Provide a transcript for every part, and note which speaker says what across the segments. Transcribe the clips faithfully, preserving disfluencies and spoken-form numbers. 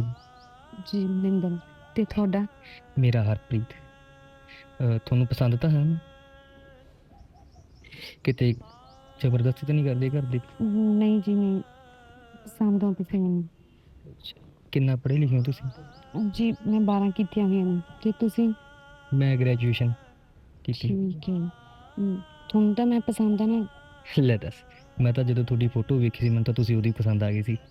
Speaker 1: ਜੀ ਮਨਿੰਦਰ। ਤੇ ਤੁਹਾਡਾ?
Speaker 2: ਮੇਰਾ ਹਰਪ੍ਰੀਤ। ਅ, ਤੁਹਾਨੂੰ ਪਸੰਦ ਤਾਂ ਹੈ ਨਾ? ਕਿਤੇ ਜ਼ਬਰਦਸਤੀ ਤਾਂ ਨਹੀਂ ਕਰਦੇ ਘਰ ਦੇ?
Speaker 1: ਨਹੀਂ ਜੀ ਨਹੀਂ, ਪਸੰਦ ਹੋ ਤੁਸੀਂ ਮੈਨੂੰ।
Speaker 2: ਅੱਛਾ, ਕਿੰਨਾ ਪੜ੍ਹੇ ਲਿਖੇ ਹੋ ਤੁਸੀਂ?
Speaker 1: ਜੀ ਮੈਂ ਬਾਰਾਂ ਕੀਤੀਆਂ ਹੋਈਆਂ ਨੇ ਤੇ ਤੁਸੀਂ?
Speaker 2: ਮੈਂ ਗ੍ਰੈਜੂਏਸ਼ਨ ਕੀਤੀ।
Speaker 1: ਠੀਕ ਹੈ। ਹਮ, ਤੁਹਾਨੂੰ ਤਾਂ ਮੈਂ ਪਸੰਦ ਆ ਨਾ।
Speaker 2: ਲੈ ਦੱਸ, ਮੈਂ ਤਾਂ ਜਦੋਂ ਤੁਹਾਡੀ ਫੋਟੋ ਵੇਖੀ ਸੀ ਮੈਨੂੰ ਤਾਂ ਤੁਸੀਂ ਉਹਦੀ ਪਸੰਦ ਆ ਗਈ ਸੀ।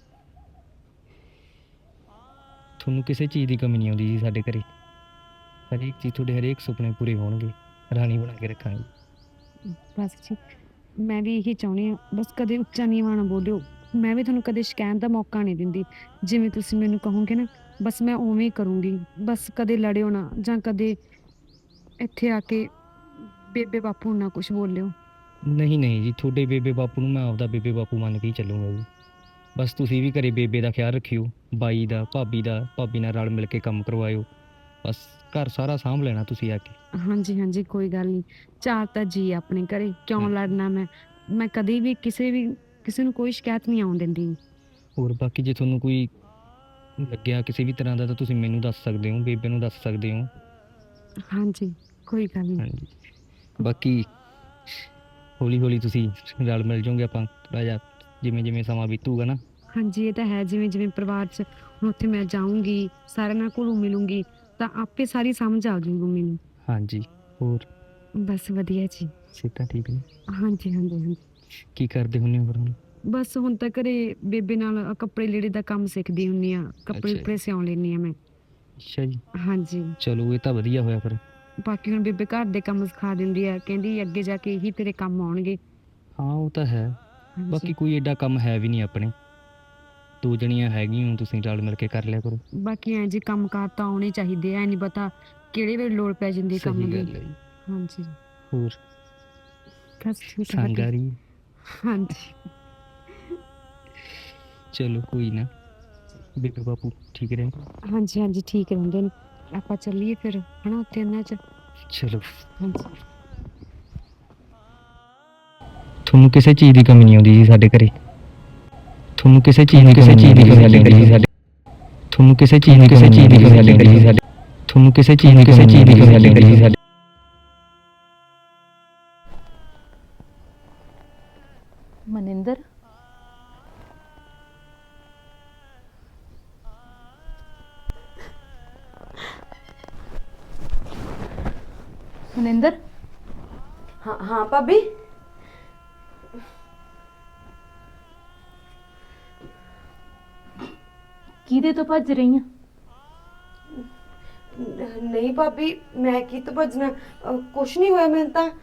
Speaker 2: ਤੁਹਾਨੂੰ ਕਿਸੇ ਚੀਜ਼ ਦੀ ਕਮੀ ਨਹੀਂ ਆਉਂਦੀ ਜੀ ਸਾਡੇ ਘਰੇ। ਹਰੇਕ ਚੀਜ਼, ਤੁਹਾਡੇ ਹਰੇਕ ਸੁਪਨੇ ਪੂਰੇ ਹੋਣਗੇ। ਰਾਣੀ ਬਣਾ ਕੇ ਰੱਖਾਂਗੇ।
Speaker 1: ਬਸ ਜੀ, ਮੈਂ ਵੀ ਇਹੀ ਚਾਹੁੰਦੀ ਹਾਂ, ਬਸ ਕਦੇ ਉੱਚਾ ਨੀਵਾਂ ਨਾ ਬੋਲਿਓ। ਮੈਂ ਵੀ ਤੁਹਾਨੂੰ ਕਦੇ ਸ਼ਿਕਾਇਤ ਦਾ ਮੌਕਾ ਨਹੀਂ ਦਿੰਦੀ। ਜਿਵੇਂ ਤੁਸੀਂ ਮੈਨੂੰ ਕਹੋਗੇ ਨਾ, ਬਸ ਮੈਂ ਉਵੇਂ ਹੀ ਕਰੂੰਗੀ। ਬਸ ਕਦੇ ਲੜਿਓ ਨਾ, ਜਾਂ ਕਦੇ ਇੱਥੇ ਆ ਕੇ ਬੇਬੇ ਬਾਪੂ ਨੂੰ ਨਾ ਕੁਝ ਬੋਲਿਓ।
Speaker 2: ਨਹੀਂ ਨਹੀਂ ਜੀ, ਤੁਹਾਡੇ ਬੇਬੇ ਬਾਪੂ ਨੂੰ ਮੈਂ ਆਪਦਾ ਬੇਬੇ ਬਾਪੂ ਮੰਨ ਕੇ ਹੀ ਚੱਲੂੰਗਾ ਜੀ। ਬਸ ਤੁਸੀਂ ਵੀ ਘਰੇ ਬੇਬੇ ਦਾ ਖਿਆਲ ਰੱਖਿਓ, ਬਾਈ ਦਾ, ਭਾਬੀ ਦਾ। ਭਾਬੀ ਨਾਲ ਰਲ ਮਿਲ ਕੇ ਕੰਮ ਕਰਵਾਇਓ। ਬਸ ਘਰ ਸਾਰਾ ਸਾਂਭ ਲੈਣਾ ਤੁਸੀਂ ਆ ਕੇ।
Speaker 1: ਹਾਂਜੀ ਹਾਂਜੀ, ਕੋਈ ਗੱਲ ਨਹੀਂ। ਚਾਰ ਤਾਂ ਜੀ ਆਪਣੇ ਘਰੇ, ਕਿਉਂ
Speaker 2: ਹਾਂਜੀ।
Speaker 1: ਲੜਨਾ ਮੈਂ? ਮੈਂ ਕਦੇ ਵੀ ਕਿਸੇ ਵੀ ਕਿਸੇ ਨੂੰ ਕੋਈ ਸ਼ਿਕਾਇਤ ਨਹੀਂ ਆਉਣ ਦਿੰਦੀ।
Speaker 2: ਹੋਰ ਬਾਕੀ ਜੇ ਤੁਹਾਨੂੰ ਕੋਈ ਲੱਗਿਆ ਕਿਸੇ ਵੀ ਤਰ੍ਹਾਂ ਦਾ ਤਾਂ ਤੁਸੀਂ ਮੈਨੂੰ ਦੱਸ ਸਕਦੇ ਹੋ, ਬੇਬੇ ਨੂੰ ਦੱਸ ਸਕਦੇ ਹੋ।
Speaker 1: ਹਾਂਜੀ, ਕੋਈ ਗੱਲ ਨਹੀਂ।
Speaker 2: ਹਾਂਜੀ, ਬਾਕੀ ਹੌਲੀ ਹੌਲੀ ਤੁਸੀਂ ਰਲ ਮਿਲ ਜਾਓਗੇ। ਆਪਾਂ ਥੋੜ੍ਹਾ ਜਿਹਾ ਜਿਵੇਂ ਜਿਵੇਂ ਸਮਾਂ ਬੀਤੂਗਾ ਨਾ।
Speaker 1: ਹਾਂਜੀ, ਇਹ ਤਾਂ ਹੈ। ਜਿਵੇਂ ਜਿਵੇਂ ਪਰਿਵਾਰ 'ਚ ਹੁਣ ਉੱਥੇ ਮੈਂ ਜਾਊਂਗੀ, ਸਾਰਿਆਂ ਨਾਲ ਘੁਲੂ ਮਿਲੂੰਗੀ, ਤਾਂ ਆਪੇ ਸਾਰੀ ਸਮਝ ਆ ਜਾਊਗੀ ਮੈਨੂੰ।
Speaker 2: ਹਾਂਜੀ, ਹੋਰ
Speaker 1: ਬਸ ਵਧੀਆ ਜੀ।
Speaker 2: ਸਿਹਤਾਂ ਠੀਕ ਨੇ?
Speaker 1: ਹਾਂਜੀ ਹਾਂਜੀ ਹਾਂਜੀ।
Speaker 2: ਕੀ ਕਰਦੇ ਹੁੰਦੇ ਹੋ ਫਿਰ ਹੁਣ?
Speaker 1: ਬਸ ਹੁਣ ਤਾਂ ਘਰੇ ਬੇਬੇ ਨਾਲ ਆਹ ਕੱਪੜੇ ਲੀੜੇ ਦਾ ਕੰਮ ਸਿੱਖਦੀ ਹੁੰਦੀ ਆ। ਕੱਪੜੇ
Speaker 2: ਅੱਛਾ ਜੀ।
Speaker 1: ਕੁਪੜੇ ਸਿਉਂ ਲੈਂਦੀ ਆ ਮੈਂ।
Speaker 2: ਅੱਛਾ ਜੀ,
Speaker 1: ਹਾਂਜੀ।
Speaker 2: ਚਲੋ ਇਹ ਤਾਂ ਵਧੀਆ ਹੋਇਆ ਫਿਰ।
Speaker 1: ਬਾਕੀ ਹੁਣ ਬੇਬੇ ਘਰ ਦੇ ਕੰਮ ਸਿਖਾ ਦਿੰਦੀ ਆ, ਕਹਿੰਦੀ ਅੱਗੇ ਜਾ ਕੇ ਇਹੀ ਤੇਰੇ ਕੰਮ ਆਉਣਗੇ।
Speaker 2: ਹਾਂ ਉਹ ਤਾਂ ਹੈ।
Speaker 1: ਹਾਂਜੀ।
Speaker 2: ਬਾਕੀ ਕੋਈ ਐਡਾ ਕੰਮ ਹੈ ਵੀ ਨਹੀਂ ਆਪਣੇ। ਦੋ ਜਣੀਆਂ ਹੈਗੀਆਂ ਹੋ, ਤੁਸੀਂ ਰਲ ਮਿਲ ਕੇ ਕਰ ਲਿਆ ਕਰੋ।
Speaker 1: ਬਾਕੀ ਐਂ ਜੀ ਕੰਮ ਕਾਰ ਤਾਂ ਆਉਣੇ ਚਾਹੀਦੇ ਐ, ਨਹੀਂ ਪਤਾ ਕਿਹੜੇ ਵੇਲੇ ਲੋੜ ਪੈ ਜਾਂਦੀ ਕੰਮ
Speaker 2: ਸਹੀ
Speaker 1: ਦੀ।
Speaker 2: ਗੱਲ ਹੈ ਜੀ।
Speaker 1: ਹਾਂਜੀ।
Speaker 2: ਹੋਰ
Speaker 1: ਬਸ ਠੀਕ ਹੈ,
Speaker 2: ਸੰਗ ਆ
Speaker 1: ਵਧੀਆ।
Speaker 2: ਰਹੀ ਹੈ?
Speaker 1: ਹਾਂਜੀ।
Speaker 2: ਚਲੋ ਕੋਈ ਨਾ, ਬੇਬੇ ਬਾਪੂ ਠੀਕ ਰਹੇ?
Speaker 1: ਹਾਂਜੀ ਹਾਂਜੀ, ਠੀਕ ਰਹਿੰਦੇ ਨੇ। ਆਪਾਂ ਚੱਲੀਏ ਫਿਰ ਹਨਾ ਉੱਥੇ ਇਹਨਾਂ 'ਚ।
Speaker 2: ਚਲੋ।
Speaker 1: ਹਾਂਜੀ।
Speaker 2: ਤੁਹਾਨੂੰ ਕਿਸੇ ਚੀਜ਼ ਦੀ ਕਮੀ ਨਹੀਂ ਆਉਂਦੀ ਜੀ ਸਾਡੇ ਘਰੇ। ਤੁਹਾਨੂੰ ਕਿਸੇ ਚੀਜ਼ ਦੀ ਕਿਸੇ ਚੀਜ਼ ਦੀ ਕਮੀ ਨਹੀਂ ਆਉਂਦੀ ਸਾਡੇ। ਤੁਹਾਨੂੰ ਕਿਸੇ ਚੀਜ਼ ਦੀ ਕਿਸੇ ਚੀਜ਼ ਦੀ ਕਮੀ ਨਹੀਂ ਆਉਂਦੀ ਸਾਡੇ। ਤੁਹਾਨੂੰ ਕਿਸੇ ਚੀਜ਼ ਦੀ ਕਿਸੇ ਚੀਜ਼ ਦੀ ਕਮੀ ਨਹੀਂ ਆਉਂਦੀ ਸਾਡੇ।
Speaker 3: ਮਨਿੰਦਰ, ਮਨਿੰਦਰ।
Speaker 4: ਹਾਂ ਹਾਂ ਭਾਬੀ।
Speaker 3: ਕਿਹਦੇ ਤੋਂ ਭੱਜ ਰਹੀ ਆ?
Speaker 4: ਨਹੀਂ ਭਾਬੀ, ਮੈਂ ਕੀ ਤੋਂ ਭੱਜਣਾ? ਅਹ, ਕੁਛ ਨਹੀਂ ਹੋਇਆ ਮੈਨੂੰ ਤਾਂ।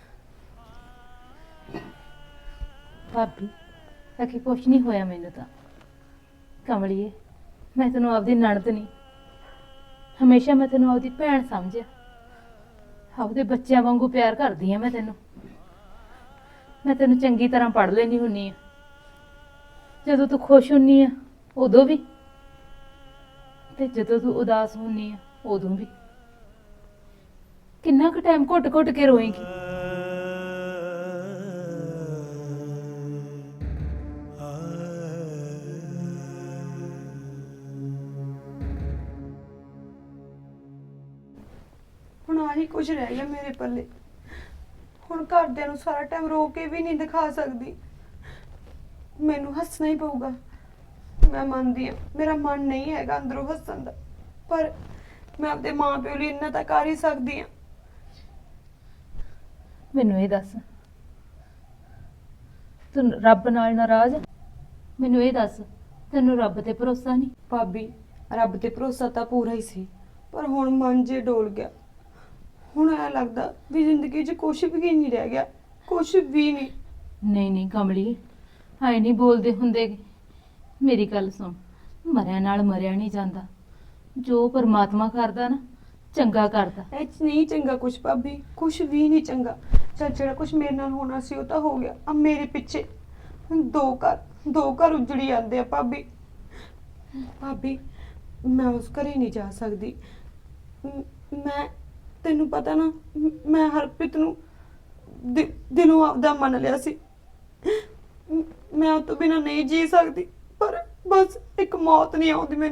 Speaker 3: ਭਾਬੀ ਆਖੇ ਕੁਛ ਨਹੀਂ ਹੋਇਆ ਮੈਨੂੰ ਤਾਂ। ਕਮਲੀਏ, ਮੈਂ ਤੈਨੂੰ ਆਪਦੀ ਨਣਦ ਨਹੀਂ, ਹਮੇਸ਼ਾ ਮੈਂ ਤੈਨੂੰ ਆਪਦੀ ਭੈਣ ਸਮਝਿਆ। ਆਪਦੇ ਬੱਚਿਆਂ ਵਾਂਗੂ ਪਿਆਰ ਕਰਦੀ ਆ ਮੈਂ ਤੈਨੂੰ। ਮੈਂ ਤੈਨੂੰ ਚੰਗੀ ਤਰ੍ਹਾਂ ਪੜ੍ਹ ਲੈਣੀ ਹੁੰਨੀ ਆ। ਜਦੋਂ ਤੂੰ ਖੁਸ਼ ਹੁੰਨੀ ਆ ਉਦੋਂ ਵੀ, ਤੇ ਜਦੋਂ ਤੂੰ ਉਦਾਸ ਹੁੰਨੀ ਆ ਉਦੋਂ ਵੀ। ਕਿੰਨਾ ਕੁ ਟਾਈਮ ਘੁੱਟ ਘੁੱਟ ਕੇ ਰੋਏਂਗੀ?
Speaker 4: ਹੁਣ ਆਹੀ ਕੁਝ ਰਹਿ ਗਿਆ ਮੇਰੇ ਪੱਲੇ। ਹੁਣ ਘਰਦਿਆਂ ਨੂੰ ਸਾਰਾ ਟਾਈਮ ਰੋ ਕੇ ਵੀ ਨਹੀਂ ਦਿਖਾ ਸਕਦੀ। ਮੈਨੂੰ ਹੱਸਣਾ ਹੀ ਪਊਗਾ। ਮੈਂ ਮੰਨਦੀ ਹਾਂ ਮੇਰਾ ਮਨ ਨਹੀਂ ਹੈਗਾ ਅੰਦਰੋਂ ਹੱਸਣ ਦਾ, ਪਰ ਮੈਂ ਆਪਦੇ ਮਾਂ ਪਿਓ ਲਈ ਇੰਨਾ ਤਾਂ ਕਰ ਹੀ ਸਕਦੀ ਹਾਂ।
Speaker 3: ਮੈਨੂੰ ਇਹ ਦੱਸ, ਤੂੰ ਰੱਬ ਨਾਲ ਨਾਰਾਜ਼ ਆ? ਮੈਨੂੰ ਇਹ ਦੱਸ, ਤੈਨੂੰ ਰੱਬ ਤੇ ਭਰੋਸਾ ਨਹੀਂ?
Speaker 4: ਭਾਬੀ, ਰੱਬ ਤੇ ਭਰੋਸਾ ਤਾਂ ਪੂਰਾ ਹੀ ਸੀ, ਪਰ ਹੁਣ ਮਨ ਜੇ ਡੋਲ ਗਿਆ। ਹੁਣ ਐ ਲੱਗਦਾ ਵੀ ਜ਼ਿੰਦਗੀ 'ਚ ਕੁਛ ਵੀ ਨਹੀਂ ਰਹਿ ਗਿਆ, ਕੁਛ ਵੀ ਨਹੀਂ।
Speaker 3: ਨਹੀਂ ਨਹੀਂ ਕਮਲੀ, ਹਾਏ ਨਹੀਂ ਬੋਲਦੇ ਹੁੰਦੇ। ਮੇਰੀ ਗੱਲ ਸੁਣ, ਮਰਿਆ ਨਾਲ ਮਰਿਆ ਨਹੀਂ ਜਾਂਦਾ। ਜੋ ਪਰਮਾਤਮਾ ਕਰਦਾ ਨਾ, ਚੰਗਾ ਕਰਦਾ।
Speaker 4: ਇਹ 'ਚ ਨਹੀਂ ਚੰਗਾ ਕੁਛ ਭਾਬੀ, ਕੁਛ ਵੀ ਨਹੀਂ ਚੰਗਾ। ਚੱਲ ਜਿਹੜਾ ਕੁਛ ਮੇਰੇ ਨਾਲ ਹੋਣਾ ਸੀ ਉਹ ਤਾਂ ਹੋ ਗਿਆ। ਆ ਮੇਰੇ ਪਿੱਛੇ ਦੋ ਘਰ ਦੋ ਘਰ ਉਜੜੀ ਜਾਂਦੇ ਆ ਭਾਬੀ। ਭਾਬੀ, ਮੈਂ ਉਸ ਘਰੇ ਨਹੀਂ ਜਾ ਸਕਦੀ। ਮ- ਮੈਂ ਤੈਨੂੰ ਪਤਾ ਨਾ, ਮ- ਮੈਂ ਹਰਪ੍ਰੀਤ ਨੂੰ ਦਿ- ਦਿਲੋਂ ਆਪਦਾ ਮੰਨ ਲਿਆ ਸੀ। ਮ- ਮੈਂ ਉਹ ਤੋਂ ਬਿਨਾਂ ਨਹੀਂ ਜੀ ਸਕਦੀ, ਪਰ ਬਸ ਇੱਕ ਮੌਤ ਨਹੀਂ ਆਉਂਦੀ ਮੈਨੂੰ।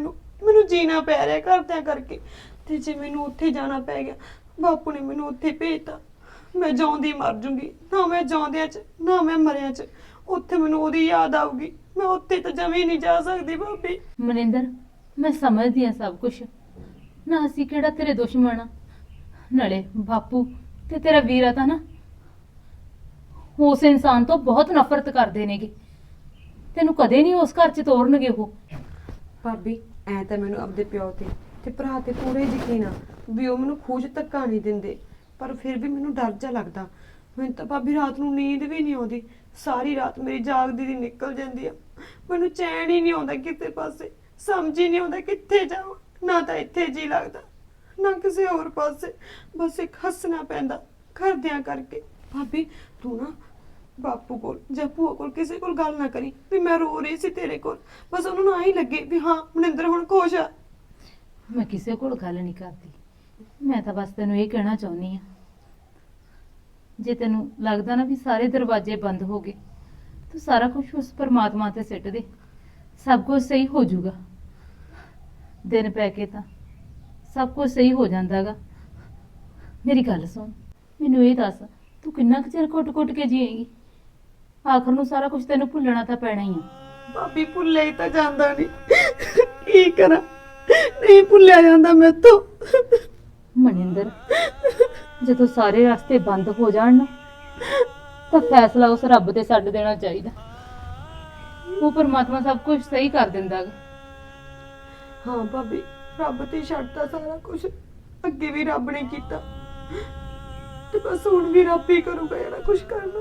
Speaker 4: ਮੈਨੂੰ ਜੀਣਾ ਪੈ ਰਿਹਾ ਘਰਦਿਆਂ ਕਰਕੇ। ਤੇ ਜੇ ਮੈਨੂੰ ਉੱਥੇ ਜਾਣਾ ਪੈ ਗਿਆ, ਬਾਪੂ ਨੇ ਮੈਨੂੰ ਉੱਥੇ ਭੇਜਤਾ, ਮੈਂ ਜਿਉਂਦੀ ਮਰ ਜੂੰਗੀ। ਨਾ ਮੈਂ ਜਿਉਂਦਿਆਂ 'ਚ ਨਾ ਮੈਂ ਮਰਿਆਂ 'ਚ, ਉੱਥੇ ਮੈਨੂੰ ਉਹਦੀ ਯਾਦ ਆਊਗੀ। ਮੈਂ ਉੱਥੇ ਤਾਂ ਜਮੀ ਨਹੀਂ ਜਾ ਸਕਦੀ ਭਾਬੀ।
Speaker 3: ਮਨਿੰਦਰ, ਮੈਂ ਸਮਝਦੀ ਆ ਸਭ ਕੁਝ, ਨਾ ਅਸੀਂ ਕਿਹੜਾ ਤੇਰੇ ਦੁਸ਼ਮਣ ਆ। ਨਾਲੇ ਬਾਪੂ ਤੇ ਤੇਰਾ ਵੀਰਾ ਤਾਂ ਨਾ ਉਸ ਇਨਸਾਨ ਤੋਂ ਬਹੁਤ ਨਫ਼ਰਤ ਕਰਦੇ ਨੇਗੇ, ਤੈਨੂੰ ਕਦੇ ਨਹੀਂ ਉਸ ਘਰ 'ਚ ਤੋਰਨਗੇ ਉਹ।
Speaker 4: ਭਾਬੀ ਐ ਤਾਂ ਮੈਨੂੰ ਆਪਦੇ ਪਿਓ ਤੇ ਤੇ ਭਰਾ ਤੇ ਪੂਰਾ ਹੀ ਯਕੀਨ ਆ ਵੀ ਉਹ ਮੈਨੂੰ ਖੂਜ ਧੱਕਾ ਨਹੀਂ ਦਿੰਦੇ, ਪਰ ਫਿਰ ਵੀ ਮੈਨੂੰ ਡਰ ਜਾ ਲੱਗਦਾ। ਮੈਨੂੰ ਤਾਂ ਭਾਬੀ ਰਾਤ ਨੂੰ ਨੀਂਦ ਵੀ ਨਹੀਂ ਆਉਂਦੀ, ਸਾਰੀ ਰਾਤ ਮੇਰੀ ਜਾਗਦੀ ਦੀ ਨਿਕਲ ਜਾਂਦੀ ਆ। ਮੈਨੂੰ ਚੈਨ ਹੀ ਨਹੀਂ ਆਉਂਦਾ ਕਿਸੇ ਪਾਸੇ, ਸਮਝ ਹੀ ਨਹੀਂ ਆਉਂਦਾ ਕਿੱਥੇ ਜਾਵਾਂ। ਨਾ ਤਾਂ ਇੱਥੇ ਜੀ ਲੱਗਦਾ, ਨਾ ਕਿਸੇ ਹੋਰ ਪਾਸੇ, ਬਸ ਇੱਕ ਹੱਸਣਾ ਪੈਂਦਾ ਘਰਦਿਆਂ ਕਰਕੇ। ਭਾਬੀ ਤੂੰ ਨਾ ਬਾਪੂ ਕੋਲ ਜਾਂ ਭੂਆ ਕੋਲ ਕਿਸੇ ਕੋਲ ਗੱਲ ਨਾ ਕਰੀ ਵੀ ਮੈਂ ਰੋ ਰਹੀ ਸੀ ਤੇਰੇ ਕੋਲ, ਬਸ ਉਹਨਾਂ ਨੂੰ ਆਹੀ ਲੱਗੇ ਵੀ ਹਾਂ ਮਨਿੰਦਰ ਹੁਣ ਖੁਸ਼ ਆ।
Speaker 3: ਮੈਂ ਕਿਸੇ ਕੋਲ ਗੱਲ ਨਹੀਂ ਕਰਦੀ, ਮੈਂ ਤਾਂ ਬਸ ਤੈਨੂੰ ਇਹ ਕਹਿਣਾ ਚਾਹੁੰਦੀ ਆ, ਜੇ ਤੈਨੂੰ ਲੱਗਦਾ ਨਾ ਵੀ ਸਾਰੇ ਦਰਵਾਜ਼ੇ ਬੰਦ ਹੋ ਗਏ, ਤੂੰ ਸਾਰਾ ਕੁਝ ਉਸ ਪਰਮਾਤਮਾ ਤੇ ਸਿੱਟ ਦੇ, ਸਭ ਕੁਝ ਸਹੀ ਹੋ ਜਾਊਗਾ। ਦਿਨ ਪੈ ਕੇ ਤਾਂ ਸਭ ਕੁਝ ਸਹੀ ਹੋ ਜਾਂਦਾਗਾ। ਮੇਰੀ ਗੱਲ ਸੁਣ, ਮੈਨੂੰ ਇਹ ਦੱਸ, ਤੂੰ ਕਿੰਨਾ ਕੁ ਚਿਰ ਕੁੱਟ-ਕੁੱਟ ਕੇ ਜੀਏਂਗੀ? ਆਖਰ ਨੂੰ ਸਾਰਾ ਕੁਝ ਤੈਨੂੰ ਭੁੱਲਣਾ ਤਾਂ ਪੈਣਾ ਹੀ ਆ।
Speaker 4: ਭਾਬੀ ਭੁੱਲਿਆ ਹੀ ਤਾਂ ਜਾਂਦਾ ਨਹੀਂ, ਕੀ ਕਰਾਂ, ਨਹੀਂ ਭੁੱਲਿਆ ਜਾਂਦਾ ਮੈਥੋਂ।
Speaker 3: ਮਨਿੰਦਰ, ਜਦੋਂ ਸਾਰੇ ਰਸਤੇ ਬੰਦ ਹੋ ਜਾਣ ਨਾ, ਤਾਂ ਫੈਸਲਾ ਉਸ ਰੱਬ ਤੇ ਛੱਡ ਦੇਣਾ ਚਾਹੀਦਾ। ਉਹ ਪਰਮਾਤਮਾ ਸਭ ਕੁਝ ਸਹੀ ਕਰ ਦਿੰਦਾ ਗਾ।
Speaker 4: ਹਾਂ ਭਾਬੀ, ਰੱਬ ਤੇ ਛੱਡਤਾ ਸਾਰਾ ਕੁਝ, ਅੱਗੇ ਵੀ ਰੱਬ ਨੇ ਕੀਤਾ ਤੇ ਬਸ ਹੁਣ ਵੀ ਰੱਬ ਹੀ ਕਰੂਗਾ ਜਿਹੜਾ ਕੁਝ ਕਰਨਾ।